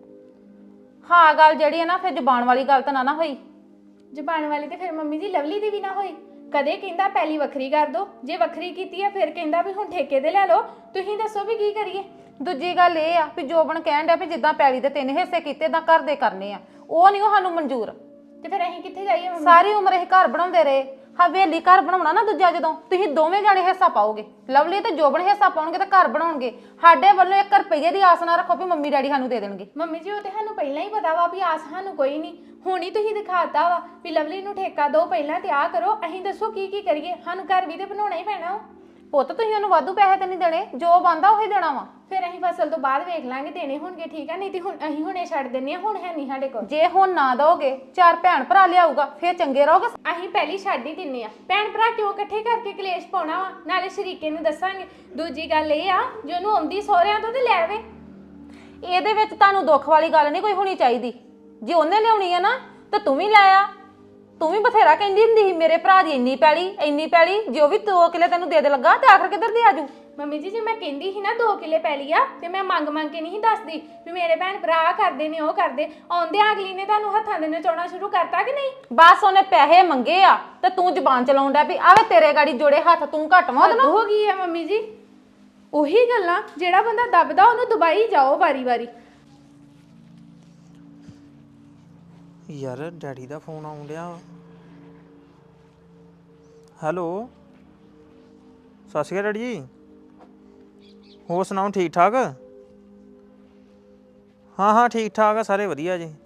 ਹਾਂ ਗੱਲ ਜਿਹੜੀ ਹੈ ਨਾ, ਫਿਰ ਜ਼ੁਬਾਨ ਵਾਲੀ ਗੱਲ ਤਾਂ ਨਾ ਹੋਈ।
ਜ਼ਬਾਨ ਵਾਲੀ ਤੇ ਫਿਰ ਮੰਮੀ ਜੀ ਲਵਲੀ ਦੀ ਵੀ ਨਾ ਹੋਈ। ਕਦੇ ਕਹਿੰਦਾ ਪਹਿਲੀ ਵੱਖਰੀ ਕਰ ਦੋ, ਜੇ ਵੱਖਰੀ ਕੀਤੀ ਆ ਫਿਰ ਕਹਿੰਦਾ ਵੀ ਹੁਣ ਠੇਕੇ ਤੇ ਲੈ ਲਓ। ਤੁਸੀਂ ਦੱਸੋ ਵੀ ਕੀ ਕਰੀਏ?
ਦੂਜੀ ਗੱਲ ਇਹ ਆ ਵੀ ਜੋਬਨ ਕਹਿਣ ਡਿਆ ਵੀ ਜਿੱਦਾਂ ਪੈਲੀ ਦੇ 3 ਹਿੱਸੇ ਕੀਤੇ ਤਾਂ ਘਰ ਦੇ ਕਰਨੇ ਆ, ਉਹ ਨਹੀਂ ਉਹ ਸਾਨੂੰ ਮਨਜ਼ੂਰ।
ਤੇ ਫਿਰ ਅਸੀਂ ਕਿੱਥੇ ਜਾਈਏ ਮੰਮੀ?
ਸਾਰੀ ਉਮਰ ਇਹ ਘਰ ਬਣਾਉਂਦੇ ਰਹੇ। ਹਵੇਲੀ ਘਰ ਬਣਾਉਣਾ ਨਾ ਦੂਜਾ, ਜਦੋਂ ਤੁਸੀਂ ਦੋਵੇਂ ਜਾਣੇ ਹਿੱਸਾ ਪਾਓਗੇ, ਲਵਲੀ ਤੇ ਜੋਬਨ ਹਿੱਸਾ ਪਾਉਣਗੇ ਤੇ ਘਰ ਬਣਾਉਣਗੇ। ਸਾਡੇ ਵੱਲੋਂ 1 ਰੁਪਈਏ ਦੀ ਆਸ ਨਾ ਰੱਖੋ ਵੀ ਮੰਮੀ ਡੈਡੀ ਸਾਨੂੰ ਦੇ ਦੇਣਗੇ।
ਮੰਮੀ ਜੀ ਉਹ ਤੇ ਸਾਨੂੰ ਪਹਿਲਾਂ ਹੀ ਪਤਾ ਵਾ ਵੀ ਆਸ ਸਾਨੂੰ ਕੋਈ ਨਹੀਂ। ਹੁਣ ਹੀ ਤੁਸੀਂ ਦਿਖਾਤਾ ਵਾ ਵੀ ਲਵਲੀ ਨੂੰ ਠੇਕਾ ਦਿਓ ਪਹਿਲਾਂ ਤੇ ਆ ਕਰੋ। ਅਸੀਂ ਦੱਸੋ ਕੀ ਕੀ ਕਰੀਏ? ਸਾਨੂੰ ਘਰ ਵੀ ਤੇ ਬਣਾਉਣਾ ਹੀ ਪੈਣਾ ਵਾ।
ਪੁੱਤ ਤੁਸੀਂ ਉਹਨੂੰ ਵਾਧੂ ਪੈਸੇ ਤੇ ਨਹੀਂ ਦੇਣੇ, ਜੋ ਬੰਦਾ ਉਹੀ ਦੇਣਾ ਵਾ।
ਫਿਰ ਅਸੀਂ ਫਸਲ ਤੋਂ ਬਾਅਦ ਵੇਖ ਲਾਂਗੇ ਦੇਣੇ ਹੋਣਗੇ, ਠੀਕ ਆ। ਨਹੀਂ ਤੇ ਹੁਣ ਅਸੀਂ ਹੁਣੇ ਛੱਡ ਦਿੰਨੇ ਆ, ਹੁਣ ਹੈ ਨਹੀਂ ਸਾਡੇ ਕੋਲ।
ਜੇ ਹੁਣ ਨਾ ਦੋਗੇ 4 ਭੈਣ ਭਰਾ ਲਿਆਊਗਾ ਫਿਰ ਚੰਗੇ ਰਹੋਗੇ।
ਅਸੀਂ ਪਹਿਲੀ ਛੱਡ ਹੀ ਦਿੰਨੇ ਆ। ਭੈਣ ਭਰਾ ਕਿਉਂ ਇਕੱਠੇ ਕਰਕੇ ਕਲੇਸ਼ ਪਾਉਣਾ ਵਾ? ਨਾਲੇ ਸ਼ਰੀਕੇ ਨੂੰ ਦੱਸਾਂਗੇ। ਦੂਜੀ ਗੱਲ ਇਹ ਆ, ਜੇ ਉਹਨੂੰ ਆਉਂਦੀ ਸਹੁਰਿਆਂ ਤੋਂ ਤੇ ਲੈ ਆਵੇ।
ਇਹਦੇ ਵਿੱਚ ਤੁਹਾਨੂੰ ਦੁੱਖ ਵਾਲੀ ਗੱਲ ਨਹੀਂ ਕੋਈ ਹੋਣੀ ਚਾਹੀਦੀ। ਜੇ ਉਹਨੇ ਲਿਆਉਣੀ ਆ ਨਾ ਤਾਂ ਤੂੰ ਵੀ ਲੈ ਆ। ਤੂੰ ਵੀ ਬਥੇਰਾ ਕਹਿੰਦੀ ਹੁੰਦੀ ਸੀ ਮੇਰੇ ਭਰਾ ਦੀ ਇੰਨੀ ਪੈਲੀ, ਜੇ ਉਹ ਵੀ 2 ਕਿੱਲੇ ਤੈਨੂੰ ਦੇ ਲੱਗਾ ਤੇ ਆਖਰ ਕਿੱਧਰ ਦੀ ਆਜੂ?
ਮੰਮੀ ਜੀ ਜੇ ਮੈਂ ਕਹਿੰਦੀ ਸੀ ਨਾ 2 ਕਿੱਲੇ ਪੈਲੀ ਆ, ਤੇ ਮੈਂ ਮੰਗ ਕੇ ਨਹੀਂ ਦੱਸਦੀ ਵੀ ਮੇਰੇ ਭੈਣ ਭਰਾ ਆਹ ਕਰਦੇ ਨੇ ਉਹ ਕਰਦੇ। ਆਉਂਦੇ ਅਗਲੀ ਨੇ ਤੁਹਾਨੂੰ ਹੱਥਾਂ ਦੇ ਨਚਾਉਣਾ ਸ਼ੁਰੂ ਕਰਤਾ ਕਿ ਨਹੀਂ?
ਬਸ ਉਹਨੇ ਪੈਸੇ ਮੰਗੇ ਆ ਤੇ ਤੂੰ ਜ਼ਬਾਨ ਚਲਾਉਣ ਡਿਆ ਵੀ ਆਵੇ ਤੇਰੇ ਗਾੜੀ ਜੋੜੇ ਹੱਥ, ਤੂੰ ਘੱਟ ਵਾ ਉਹਦੇ
ਹੱਦ
ਨਾਲ।
ਹੋ ਗਈ ਆ ਮੰਮੀ ਜੀ। ਉਹੀ ਗੱਲਾਂ, ਜਿਹੜਾ ਬੰਦਾ ਦੱਬਦਾ ਉਹਨੂੰ ਦਬਾਈ ਜਾਓ ਵਾਰੀ-ਵਾਰੀ।
ਯਾਰ ਡੈਡੀ ਦਾ ਫੋਨ ਆਉਣ ਡਿਆ। ਹੈਲੋ, ਸਤਿ ਸ਼੍ਰੀ ਅਕਾਲ ਡੈਡੀ ਜੀ। ਹੋਰ ਸੁਣਾਓ, ਠੀਕ ਠਾਕ? ਹਾਂ ਠੀਕ ਠਾਕ ਆ, ਸਾਰੇ ਵਧੀਆ ਜੀ।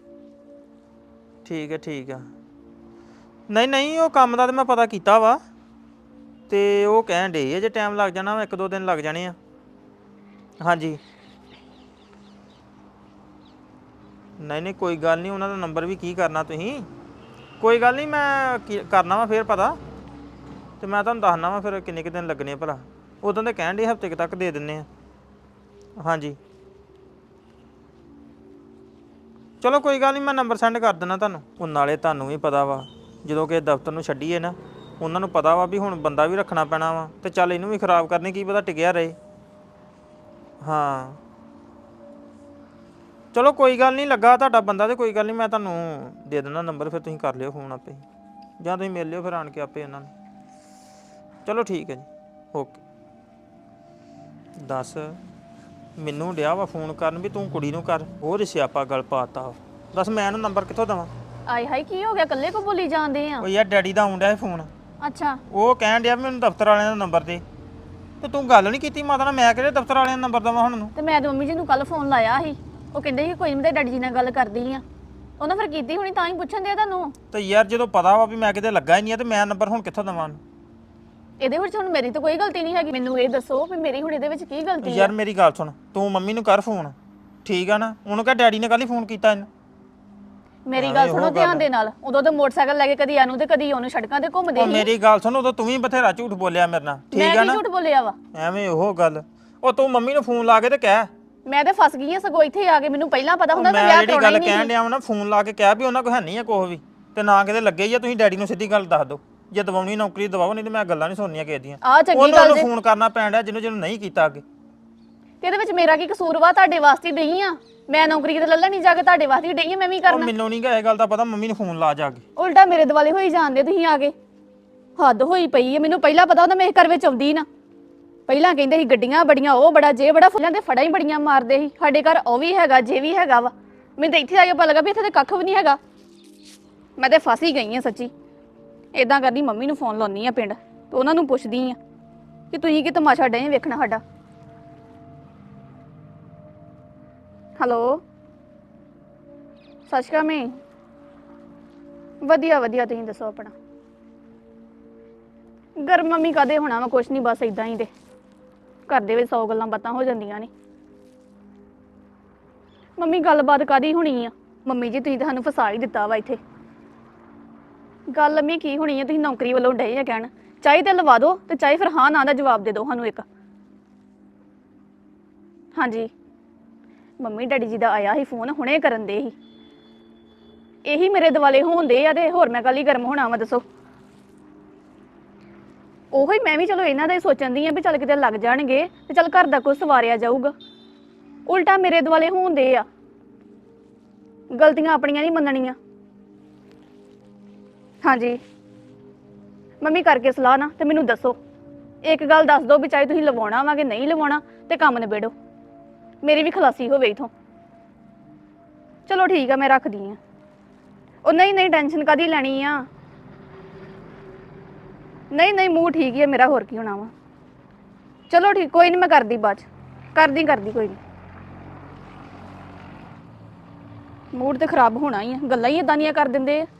ਠੀਕ ਆ। ਨਹੀਂ ਉਹ ਕੰਮ ਦਾ ਤਾਂ ਮੈਂ ਪਤਾ ਕੀਤਾ ਵਾ, ਤੇ ਉਹ ਕਹਿਣ ਡੇ ਜੇ ਟਾਈਮ ਲੱਗ ਜਾਣਾ, 1-2 ਦਿਨ ਲੱਗ ਜਾਣੇ ਆ। ਹਾਂਜੀ ਨਹੀਂ ਕੋਈ ਗੱਲ ਨਹੀਂ, ਉਹਨਾਂ ਦਾ ਨੰਬਰ ਵੀ ਕੀ ਕਰਨਾ ਤੁਸੀਂ। ਕੋਈ ਗੱਲ ਨਹੀਂ, ਮੈਂ ਕਰਨਾ ਵਾ ਫਿਰ ਪਤਾ, ਤੇ ਮੈਂ ਤੁਹਾਨੂੰ ਦੱਸਣਾ ਵਾ ਫਿਰ ਕਿੰਨੇ ਕੁ ਦਿਨ ਲੱਗਣੇ ਆ ਭਲਾ। ਉਦੋਂ ਦੇ ਕਹਿਣ ਡੇ ਹਫ਼ਤੇ ਤੱਕ ਦੇ ਦਿੰਨੇ ਆ। ਹਾਂਜੀ ਚਲੋ ਕੋਈ ਗੱਲ ਨਹੀਂ, ਮੈਂ ਨੰਬਰ ਸੈਂਡ ਕਰ ਦਿੰਦਾ ਤੁਹਾਨੂੰ। ਉਹ ਨਾਲੇ ਤੁਹਾਨੂੰ ਵੀ ਪਤਾ ਵਾ ਜਦੋਂ ਕਿ ਦਫ਼ਤਰ ਨੂੰ ਛੱਡੀਏ ਨਾ, ਉਹਨਾਂ ਨੂੰ ਪਤਾ ਵਾ ਵੀ ਹੁਣ ਬੰਦਾ ਵੀ ਰੱਖਣਾ ਪੈਣਾ ਵਾ, ਤੇ ਚੱਲ ਇਹਨੂੰ ਵੀ ਖਰਾਬ ਕਰਨੀ, ਕੀ ਪਤਾ ਟਿਕਿਆ ਰਹੇ। ਹਾਂ ਚਲੋ ਕੋਈ ਗੱਲ ਨਹੀਂ, ਲੱਗਾ ਤੁਹਾਡਾ ਬੰਦਾ ਤੇ ਕੋਈ ਗੱਲ ਨਹੀਂ, ਮੈਂ ਤੁਹਾਨੂੰ ਦੇ ਦਿੰਦਾ ਨੰਬਰ, ਫਿਰ ਤੁਸੀਂ ਕਰ ਲਿਓ ਫੋਨ ਆਪੇ, ਜਾਂ ਤੁਸੀਂ ਮਿਲ ਲਿਓ ਫਿਰ ਆਣ ਕੇ ਆਪੇ ਉਹਨਾਂ ਨੂੰ। ਚਲੋ ਠੀਕ ਹੈ ਜੀ, ਓਕੇ। ਦੱਸ ਮੈਨੂੰ ਡਿਆ ਵਾ ਫੋਨ ਕਰਨ ਵੀ ਤੂੰ ਕੁੜੀ ਨੂੰ ਕਰ, ਹੋਰ ਸਿਆਪਾ ਗੱਲ ਪਾਤਾ। ਦੱਸ ਮੈਂ ਇਹਨੂੰ ਨੰਬਰ ਕਿੱਥੋਂ ਦੇਵਾਂ?
ਆਏ ਹਾਏ ਕੀ ਹੋ ਗਿਆ, ਇਕੱਲੇ ਕੋ ਬੋਲੀ ਜਾਂਦੇ ਆ?
ਉਹ ਯਾਰ ਡੈਡੀ ਦਾ ਆਉਣ ਡਿਆ ਫੋਨ,
ਅੱਛਾ
ਉਹ ਕਹਿਣ ਡਿਆ ਵੀ ਮੈਨੂੰ ਦਫ਼ਤਰ ਵਾਲਿਆਂ ਦਾ ਨੰਬਰ ਦੇ, ਤੇ ਤੂੰ ਗੱਲ ਨਹੀਂ ਕੀਤੀ ਮਾਤਾ ਨਾਲ। ਮੈਂ ਕਿਹੜੇ ਦਫ਼ਤਰ ਵਾਲਿਆਂ ਦਾ ਨੰਬਰ ਦੇਵਾਂ ਹੁਣ ਨੂੰ?
ਤੇ ਮੈਂ ਤੇ ਮੰਮੀ ਜੀ ਨੂੰ ਕੱਲ ਫੋਨ ਲਾਇਆ ਸੀ, ਉਹ ਕਹਿੰਦੇ ਸੀ ਕੋਈ ਨਹੀਂ, ਤੇ ਡੈਡੀ ਜੀ ਨਾਲ ਗੱਲ ਕਰਦੀ ਆ। ਉਹਨਾਂ ਫਿਰ ਕੀਤੀ ਹੋਣੀ, ਤਾਂ ਹੀ ਪੁੱਛਣ ਦੇ ਤੁਹਾਨੂੰ।
ਤੇ ਯਾਰ ਜਦੋਂ ਪਤਾ ਵਾ ਵੀ ਮੈਂ ਕਿਤੇ ਲੱਗਾ ਹੀ ਨਹੀਂ ਆ, ਤੇ ਮੈਂ ਨੰਬਰ ਹੁਣ ਕਿੱਥੋਂ ਦੇਵਾਂ?
ਇਹਦੇ ਵਿੱਚ ਹੁਣ ਮੇਰੀ ਤਾਂ ਕੋਈ ਗਲਤੀ ਨਹੀਂ ਹੈਗੀ। ਮੈਨੂੰ ਇਹ ਦੱਸੋ ਵੀ ਮੇਰੀ ਹੁਣ ਇਹਦੇ ਵਿੱਚ ਕੀ ਗਲਤੀ ਹੈ?
ਯਾਰ ਮੇਰੀ ਗੱਲ ਸੁਣ, ਤੂੰ ਮੰਮੀ ਨੂੰ ਕਰ ਫੋਨ, ਠੀਕ ਆ ਨਾ? ਉਹਨੂੰ ਕਹ ਡੈਡੀ ਨੇ ਕੱਲ ਹੀ ਫੋਨ ਕੀਤਾ ਇਹਨੂੰ।
ਮੇਰੀ ਗੱਲ ਸੁਣੋ ਧਿਆਨ ਦੇ ਨਾਲ। ਉਦੋਂ ਤਾਂ ਮੋਟਰਸਾਈਕਲ ਲੈ ਕੇ ਕਦੀ ਇਹਨੂੰ ਤੇ ਕਦੀ ਉਹਨੂੰ ਸੜਕਾਂ ਤੇ ਘੁੰਮਦੇ
ਉਹ
ਸੀ।
ਮੇਰੀ ਗੱਲ ਸੁਣ, ਉਦੋਂ ਤੂੰ ਵੀ ਬਥੇਰਾ ਝੂਠ ਬੋਲਿਆ ਮੇਰੇ ਨਾਲ, ਠੀਕ ਆ
ਮੈਂ
ਨਾ?
ਕੀ ਝੂਠ ਬੋਲਿਆ ਵਾ?
ਐਵੇਂ ਉਹ ਗੱਲ, ਉਹ ਤੂੰ ਮੰਮੀ ਨੂੰ ਫੋਨ ਲਾ ਕੇ ਤੇ ਕਹਿ।
ਮੈਂ ਤੇ ਫਸ ਗਈ ਆ ਸਗੋਂ ਇੱਥੇ ਆ ਕੇ। ਮੈਨੂੰ ਪਹਿਲਾਂ ਪਤਾ ਹੁੰਦਾ ਤਾਂ
ਮੈਂ
ਵਿਆਹ
ਜਿਹੜੀ
ਕਰਾਉਣਾ
ਗੱਲ
ਹੀ ਨਹੀਂ
ਕਹਿਣ
ਸੀ।
ਡਿਆ ਵਾ ਨਾ, ਫੋਨ ਲਾ ਕੇ ਕਹਿ ਵੀ ਉਹਨਾਂ ਕੋਲ ਹੈ ਨਹੀਂ ਆ ਕੁਛ ਵੀ, ਤੇ ਨਾ ਕਿਤੇ ਲੱਗੇ ਹੀ ਆ। ਤੁਸੀਂ ਡੈਡੀ ਨੂੰ ਸਿੱਧੀ ਗੱਲ ਦੱਸ ਦਿਓ, ਜੇ ਦਵਾਉਣੀ ਨੌਕਰੀ ਦਵਾਓ, ਨਹੀਂ ਤੇ ਮੈਂ ਗੱਲਾਂ ਨਹੀਂ ਸੁਣਨੀਆਂ ਕਿਸੇ ਦੀਆਂ।
ਆ ਚੰਗੀ
ਉਹਨੂੰ
ਗੱਲ ਜੇ।
ਫੋਨ ਕਰਨਾ ਪੈਣ ਡਿਆ ਜਿਹਨੂੰ ਨਹੀਂ ਕੀਤਾ ਅੱਗੇ।
ਤੇ ਇਹਦੇ ਵਿੱਚ ਮੇਰਾ ਕੀ ਕਸੂਰ ਵਾ? ਤੁਹਾਡੇ ਵਾਸਤੇ ਡਈ ਆ ਮੈਂ ਨੌਕਰੀ ਤੇ ਲੱਲਣੀ ਜਾ ਕੇ, ਤੁਹਾਡੇ ਵਾਸਤੇ ਡਈ ਆ ਮੈਂ ਵੀ
ਉਹ
ਕਰਨਾ।
ਮੈਨੂੰ ਨਹੀਂ ਗਾ ਇਹ ਗੱਲ ਦਾ ਪਤਾ, ਮੰਮੀ ਨੂੰ ਫੋਨ ਲਾ ਜਾ ਕੇ।
ਉਲਟਾ ਮੇਰੇ ਦਿਵਾਲੇ ਹੋਈ ਜਾਂਦੇ ਤੁਸੀਂ ਆ ਕੇ। ਹੱਦ ਹੋਈ ਪਈ ਹੈ। ਮੈਨੂੰ ਪਹਿਲਾਂ ਪਤਾ ਹੁੰਦਾ ਮੈਂ ਇਸ ਘਰ ਵਿੱਚ ਆਉਂਦੀ ਨਾ। ਪਹਿਲਾਂ ਕਹਿੰਦੇ ਸੀ ਗੱਡੀਆਂ ਬੜੀਆਂ, ਉਹ ਬੜਾ ਜੇ ਬੜਾ, ਫੁੱਲਾਂ ਦੇ ਫੜਾ ਹੀ ਬੜੀਆਂ ਮਾਰਦੇ ਸੀ। ਸਾਡੇ ਘਰ ਉਹ ਵੀ ਹੈਗਾ ਜੇ ਵੀ ਹੈਗਾ ਵਾ। ਮੈਨੂੰ ਤਾਂ ਇੱਥੇ ਆ ਕੇ ਪਤਾ ਲੱਗਾ ਵੀ ਇੱਥੇ ਤੇ ਕੱਖ ਵੀ ਨਹੀਂ ਹੈਗਾ। ਮੈਂ ਤੇ ਫਸ ਹੀ ਗਈ ਆ ਸੱਚੀ। ਇਦਾਂ ਕਰਦੀ ਮੰਮੀ ਨੂੰ ਫੋਨ ਲਾਉਣੀ ਆ ਪਿੰਡ ਤੇ ਉਹਨਾਂ ਨੂੰ ਪੁੱਛਦੀ ਆ ਕਿ ਤੁਸੀਂ ਕੀ ਤਮਾਸ਼ਾ ਡੇ ਵੇਖਣਾ ਸਾਡਾ। ਹੈਲੋ, ਸਤਿ ਸ਼੍ਰੀ ਅਕਾਲ। ਮੈਂ ਵਧੀਆ ਵਧੀਆ, ਤੁਸੀਂ ਦੱਸੋ ਆਪਣਾ। ਗਰਮ ਮੰਮੀ ਕਾਦੇ ਹੋਣਾ ਵਾ, ਕੁਛ ਨਹੀਂ, ਬਸ ਇਦਾਂ ਹੀ। ਤੇ ਘਰ ਦੇ ਵਿੱਚ 100 ਗੱਲਾਂ ਬਾਤਾਂ ਹੋ ਜਾਂਦੀਆਂ ਨੇ। ਮੰਮੀ ਗੱਲਬਾਤ ਕਾਦੀ ਹੋਣੀ ਆ? ਮੰਮੀ ਜੀ ਤੁਸੀਂ ਤਾਂ ਸਾਨੂੰ ਫਸਾ ਹੀ ਦਿੱਤਾ ਵਾ ਇੱਥੇ। ਗੱਲ ਮੰਮੀ ਕੀ ਹੋਣੀ ਆ? ਤੁਸੀਂ ਨੌਕਰੀ ਵੱਲੋਂ ਡਏ ਆ ਕਹਿਣ, ਚਾਹੇ ਤੇ ਲਵਾ ਦਿਓ ਤੇ ਚਾਹੇ ਫਿਰ ਹਾਂ ਨਾ ਦਾ ਜਵਾਬ ਦੇ ਦਿਓ ਸਾਨੂੰ ਇੱਕ। ਹਾਂਜੀ ਮੰਮੀ ਡੈਡੀ ਜੀ ਦਾ ਆਇਆ ਸੀ ਫੋਨ, ਹੁਣੇ ਕਰਨ ਦੇ ਸੀ। ਇਹੀ ਮੇਰੇ ਦਿਵਾਲੇ ਹੋਣਦੇ ਆ ਤੇ ਹੋਰ ਮੈਂ ਕੱਲ ਹੀ ਗਰਮ ਹੋਣਾ ਵਾ, ਦੱਸੋ। ਉਹੋ ਹੀ ਮੈਂ ਵੀ ਚਲੋ ਇਹਨਾਂ ਦਾ ਹੀ ਸੋਚਣ ਦੀ ਆ ਵੀ ਚੱਲ ਕਿਤੇ ਲੱਗ ਜਾਣਗੇ ਤੇ ਚੱਲ ਘਰ ਦਾ ਕੁਝ ਸਵਾਰਿਆ ਜਾਊਗਾ। ਉਲਟਾ ਮੇਰੇ ਦੁਆਲੇ ਹੁੰਦੇ ਆ। ਗਲਤੀਆਂ ਆਪਣੀਆਂ ਨਹੀਂ ਮੰਨਣੀਆਂ। ਹਾਂਜੀ ਮੰਮੀ ਕਰਕੇ ਸਲਾਹ ਨਾ ਤੇ ਮੈਨੂੰ ਦੱਸੋ, ਇੱਕ ਗੱਲ ਦੱਸ ਦਿਓ ਵੀ ਚਾਹੇ ਤੁਸੀਂ ਲਵਾਉਣਾ ਵਾ ਕਿ ਨਹੀਂ ਲਵਾਉਣਾ ਤੇ ਕੰਮ ਨਿਬੇੜੋ, ਮੇਰੀ ਵੀ ਖਲਾਸੀ ਹੋਵੇ ਇਥੋਂ। ਚਲੋ ਠੀਕ ਆ, ਮੈਂ ਰੱਖਦੀ ਆ। ਉਹ ਨਹੀਂ ਟੈਨਸ਼ਨ ਕਾਦੀ ਲੈਣੀ ਆ? ਨਹੀਂ ਮੂੰਹ ਠੀਕ ਹੀ ਹੈ ਮੇਰਾ, ਹੋਰ ਕੀ ਹੋਣਾ ਵਾ। ਚਲੋ ਠੀਕ, ਕੋਈ ਨਹੀਂ, ਮੈਂ ਕਰਦੀ ਬਾਅਦ ਚ। ਕਰਦੀ ਕੋਈ ਨਹੀਂ। ਮੂਡ ਤੇ ਖਰਾਬ ਹੋਣਾ ਹੀ ਆ, ਗੱਲਾਂ ਹੀ ਇਦਾਂ ਦੀਆਂ ਕਰ ਦਿੰਦੇ ਆ।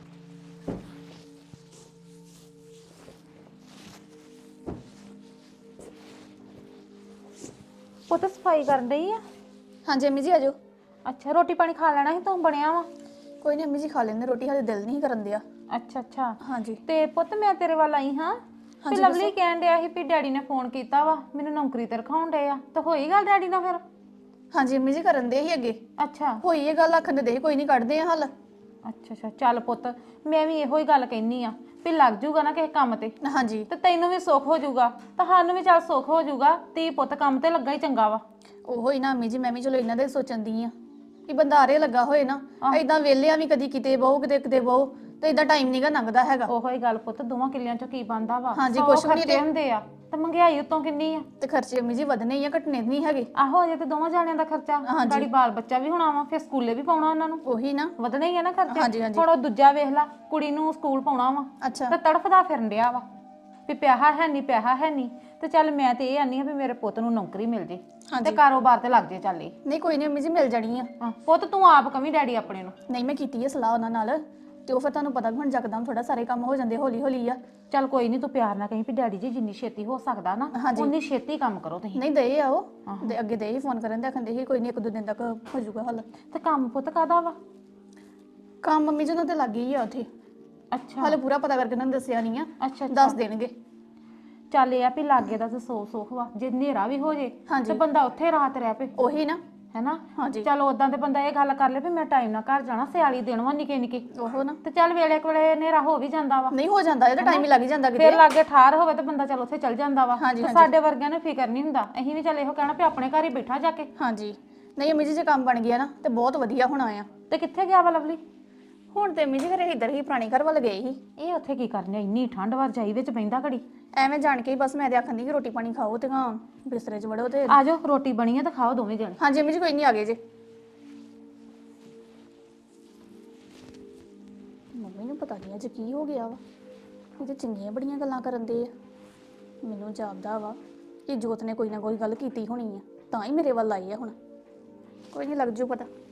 ਉਹ ਤਾਂ ਸਫਾਈ ਕਰਨ ਡਈ ਆ।
ਹਾਂਜੀ ਅੰਮੀ ਜੀ ਆਜੋ।
ਅੱਛਾ ਰੋਟੀ ਪਾਣੀ ਖਾ ਲੈਣਾ ਸੀ ਤੂੰ, ਬਣਿਆ ਵਾ?
ਕੋਈ ਨਹੀਂ ਅੰਮੀ ਜੀ, ਖਾ ਲੈਂਦੇ ਰੋਟੀ, ਹਾਲੇ ਦਿਲ ਨਹੀਂ ਕਰਨ ਦਿਆ।
ਅੱਛਾ
ਹਾਂਜੀ
ਤੇ ਪੁੱਤ ਮੈਂ ਤੇਰੇ ਵੱਲ ਆਈ ਹਾਂ। ਤੇ ਲਵਲੀ ਕਹਿਣ ਡਿਆ ਸੀ ਵੀ ਡੈਡੀ ਨੇ ਫੋਨ ਕੀਤਾ ਵਾ, ਮੈਨੂੰ ਨੌਕਰੀ ਤੇ ਰਖਾਉਣ ਡਏ ਆ। ਤਾਂ ਹੋਈ ਗੱਲ ਡੈਡੀ ਨਾਲ ਫਿਰ?
ਹਾਂਜੀ ਅੰਮੀ ਜੀ ਕਰਨ ਦੇ ਹੀ ਅੱਗੇ।
ਅੱਛਾ
ਹੋਈ ਇਹ ਗੱਲ, ਆਖਣ ਦੇ ਕੋਈ ਨਹੀਂ, ਕੱਢਦੇ ਆ ਹੱਲ।
ਅੱਛਾ ਚੱਲ ਪੁੱਤ, ਮੈਂ ਵੀ ਇਹੋ ਹੀ ਗੱਲ ਕਹਿਨੀ ਆ ਵੀ ਲੱਗ ਜੂਗਾ ਨਾ ਕਿਸੇ ਕੰਮ ਤੇ
ਹਾਂਜੀ
ਤੇ ਤੈਨੂੰ ਵੀ ਸੁੱਖ ਹੋ ਜਾਊਗਾ ਤਾਂ ਸਾਨੂੰ ਵੀ ਚੱਲ ਸੁੱਖ ਹੋ ਜਾਊਗਾ। ਤੇ ਪੁੱਤ ਕੰਮ ਤੇ ਲੱਗਾ ਹੀ ਚੰਗਾ ਵਾ।
ਉਹੋ ਹੀ ਨਾ ਅੰਮੀ ਜੀ, ਮੈਂ ਵੀ ਚਲੋ ਇਹਨਾਂ ਦੇ ਸੋਚਣ ਦੀ ਆ ਕਿ ਬੰਦਾ ਆਰੇ ਲੱਗਾ ਹੋਏ ਨਾ, ਏਦਾਂ ਵੇਲਿਆਂ ਵੀ ਕਦੀ ਕਿਤੇ ਬਹੁ ਕਿਤੇ ਬਹੁ, ਤੇ ਏਦਾਂ ਟਾਈਮ ਨਹੀਂਗਾ ਲੰਘਦਾ ਹੈਗਾ।
ਉਹੋ ਹੀ ਗੱਲ ਪੁੱਤ, ਦੋਵਾਂ ਕਿੱਲਿਆਂ ਚੋਂ ਕੀ ਬਣਦਾ ਵਾ?
ਹਾਂਜੀ,
ਸੌ
ਕੁਛ ਵੀ ਨੀ
ਖਰਚੇ ਹੁੰਦੇ ਆ ਤੇ ਮਹਿੰਗਾਈ ਉਤੋਂ ਕਿੰਨੀ ਆ।
ਤੇ ਖਰਚੇ ਅੰਮੀ ਜੀ ਵਧਣੇ ਹੀ ਆ, ਘਟਣੇ ਨਹੀਂ ਹੈਗੇ।
ਆਹੋ ਅਜੇ ਤੇ ਦੋਵਾਂ ਜਾਣਿਆਂ ਦਾ ਖਰਚਾ, ਗਾੜੀ ਬਾਲ ਬੱਚਾ ਵੀ ਹੋਣਾ ਵਾ, ਫਿਰ ਸਕੂਲੇ ਵੀ ਪਾਉਣਾ ਉਹਨਾਂ ਨੂੰ,
ਉਹੀ ਨਾ,
ਵਧਣੇ ਹੀ ਆ ਨਾ ਖਰਚੇ।
ਹਾਂਜੀ
ਹੁਣ ਉਹ ਦੂਜਾ ਵੇਖ ਲਾ, ਕੁੜੀ ਨੂੰ ਸਕੂਲ ਪਾਉਣਾ ਵਾ
ਅੱਛਾ
ਤੇ ਤੜਫਦਾ ਫਿਰਨ ਡਿਆ ਵਾ ਵੀ ਪਿਆਹਾ ਹੈ ਨਹੀਂ। ਤੇ ਚੱਲ ਮੈਂ ਤੇ ਇਹ ਆਨੀ ਆ ਵੀ ਮੇਰੇ ਪੁੱਤ ਨੂੰ ਨੌਕਰੀ ਮਿਲ ਜੇ ਤੇ ਕਾਰੋਬਾਰ ਤੇ ਲੱਗ ਜੇ। ਚੱਲ ਇਹ
ਨਹੀਂ ਕੋਈ ਨਹੀਂ ਅੰਮੀ ਜੀ, ਮਿਲ ਜਾਣੀ ਆ।
ਹਾਂ ਪੁੱਤ ਤੂੰ ਆਪ ਕਵੀਂ ਡੈਡੀ ਆਪਣੇ ਨੂੰ।
ਨਹੀਂ ਮੈਂ ਕੀਤੀ ਹੈ ਸਲਾਹ ਉਹਨਾਂ ਨਾਲ, ਤੇ ਉਹ ਫਿਰ ਤੁਹਾਨੂੰ ਪਤਾ ਵੀ ਹੁਣ ਜਕਦਮ ਥੋੜਾ ਸਾਰੇ ਕੰਮ ਹੋ ਜਾਂਦੇ ਹੌਲੀ ਆ।
ਚੱਲ ਕੋਈ ਨਹੀਂ, ਤੂੰ ਪਿਆਰ ਨਾਲ ਕਹੀਂ ਵੀ ਡੈਡੀ ਜੀ ਜਿੰਨੀ ਛੇਤੀ ਹੋ ਸਕਦਾ ਨਾ ਉਨੀ ਛੇਤੀ ਕੰਮ ਕਰੋ ਤੁਸੀਂ।
ਨਹੀਂ ਦੇ ਆਓ, ਤੇ ਅੱਗੇ ਦੇ ਹੀ ਫੋਨ ਕਰਨ ਦੇ, ਆਖੰਦੇ ਸੀ ਕੋਈ ਨਹੀਂ 1-2 ਦਿਨ ਤੱਕ ਹੋ ਜਾਊਗਾ ਹੱਲ।
ਤੇ ਕੰਮ ਪੁੱਤ ਕਾਦਾ ਵਾ?
ਕੰਮ ਮੰਮੀ ਜੀ ਉਹਨਾਂ ਤੇ ਲੱਗ ਗਈ ਆ ਉੱਥੇ।
ਅੱਛਾ
ਹਾਲੇ ਪੂਰਾ ਪਤਾ ਕਰਕੇ ਉਹਨਾਂ ਨੂੰ ਦੱਸਿਆ ਨਹੀਂ ਆ,
ਅੱਛਾ
ਦੱਸ ਦੇਣਗੇ।
ਚੱਲ ਇਹ ਆ ਵੀ ਲਾਗੇ ਦਾ ਤੇ ਸੁੱਖ ਵਾ, ਜੇ ਹਨੇਰਾ ਵੀ ਹੋ ਜੇ ਤੇ ਬੰਦਾ ਉੱਥੇ ਰਾਤ ਰਹਿ ਪਏ,
ਉਹੀ ਨਾ,
ਹੈਨਾ।
ਹਾਂਜੀ
ਚੱਲ ਉਦਾਂ ਤੇ ਬੰਦਾ ਇਹ ਗੱਲ ਕਰ ਲੇ ਵੀ ਮੈਂ ਟਾਈਮ ਨਾਲ ਘਰ ਜਾਣਾ, ਸਿਆਲੀ ਦਿਨ ਵਾ ਨਿੱਕੇ
ਉਹੋ ਨਾ,
ਤੇ ਚੱਲ ਵੇਲੇ ਕੋਲੇ ਹਨੇਰਾ ਹੋ ਵੀ ਜਾਂਦਾ ਵਾ,
ਨਹੀਂ ਹੋ ਜਾਂਦਾ ਇਹਦਾ ਟਾਈਮ ਹੀ ਲੱਗ ਜਾਂਦਾ ਕਿਤੇ।
ਫਿਰ ਲਾਗੇ ਠਾਰ ਹੋਵੇ ਤੇ ਬੰਦਾ ਚੱਲ ਉੱਥੇ ਚੱਲ ਜਾਂਦਾ ਵਾ।
ਹਾਂਜੀ,
ਤੇ ਸਾਡੇ ਵਰਗਿਆਂ ਨੂੰ ਫਿਕਰ ਨਹੀਂ ਹੁੰਦਾ, ਅਸੀਂ ਵੀ ਚੱਲ ਇਹੋ ਕਹਿਣਾ ਵੀ ਆਪਣੇ ਘਰ ਹੀ ਬੈਠਾ ਜਾ ਕੇ।
ਹਾਂਜੀ ਨਹੀਂ ਅੰਮੀ ਜੀ, ਜੇ ਕੰਮ ਬਣ ਗਿਆ ਨਾ ਤੇ ਬਹੁਤ ਵਧੀਆ ਹੋਣਾ ਆ।
ਤੇ ਕਿੱਥੇ ਗਿਆ ਵਾ ਲਵਲੀ?
ਹੁਣ ਤੇ ਅੰਮੀ ਜੀ ਘਰੇ ਇੱਧਰ ਹੀ ਪੁਰਾਣੇ ਘਰ ਵੱਲ ਗਏ ਸੀ।
ਇਹ ਉੱਥੇ ਕੀ ਕਰਨੇ, ਇੰਨੀ ਠੰਡ ਵਾ, ਰਜਾਈ ਵਿੱਚ ਬੈਂਦਾ ਘੜੀ।
ਐਵੇਂ ਜਾਣ ਕੇ ਹੀ ਬਸ ਮੈਂ ਤੇ ਆਖਣ ਦੀ ਕਿ ਰੋਟੀ ਪਾਣੀ ਖਾਓ ਤੇ ਹਾਂ ਬਿਸਤਰੇ 'ਚ ਵੜੋ ਤੇ।
ਆ ਜਾਓ, ਰੋਟੀ ਬਣੀ ਆ ਤਾਂ ਖਾਓ ਦੋਵੇਂ ਜਣੇ।
ਹਾਂਜੀ ਅੰਮੀ ਜੀ ਕੋਈ ਨਹੀਂ, ਆ ਗਏ ਜੇ। ਮੰਮੀ ਨੂੰ ਪਤਾ ਨਹੀਂ ਅੱਜ ਕੀ ਹੋ ਗਿਆ ਵਾ, ਇਹ ਤੇ ਚੰਗੀਆਂ ਬੜੀਆਂ ਗੱਲਾਂ ਕਰਨ ਦੇ ਆ। ਮੈਨੂੰ ਜਾਪਦਾ ਵਾ ਕਿ ਜੋਤ ਨੇ ਕੋਈ ਨਾ ਕੋਈ ਗੱਲ ਕੀਤੀ ਹੋਣੀ ਆ, ਤਾਂ ਹੀ ਮੇਰੇ ਵੱਲ ਆਈ ਆ ਹੁਣ। ਕੋਈ ਨਹੀਂ, ਲੱਗ ਜੂ ਪਤਾ।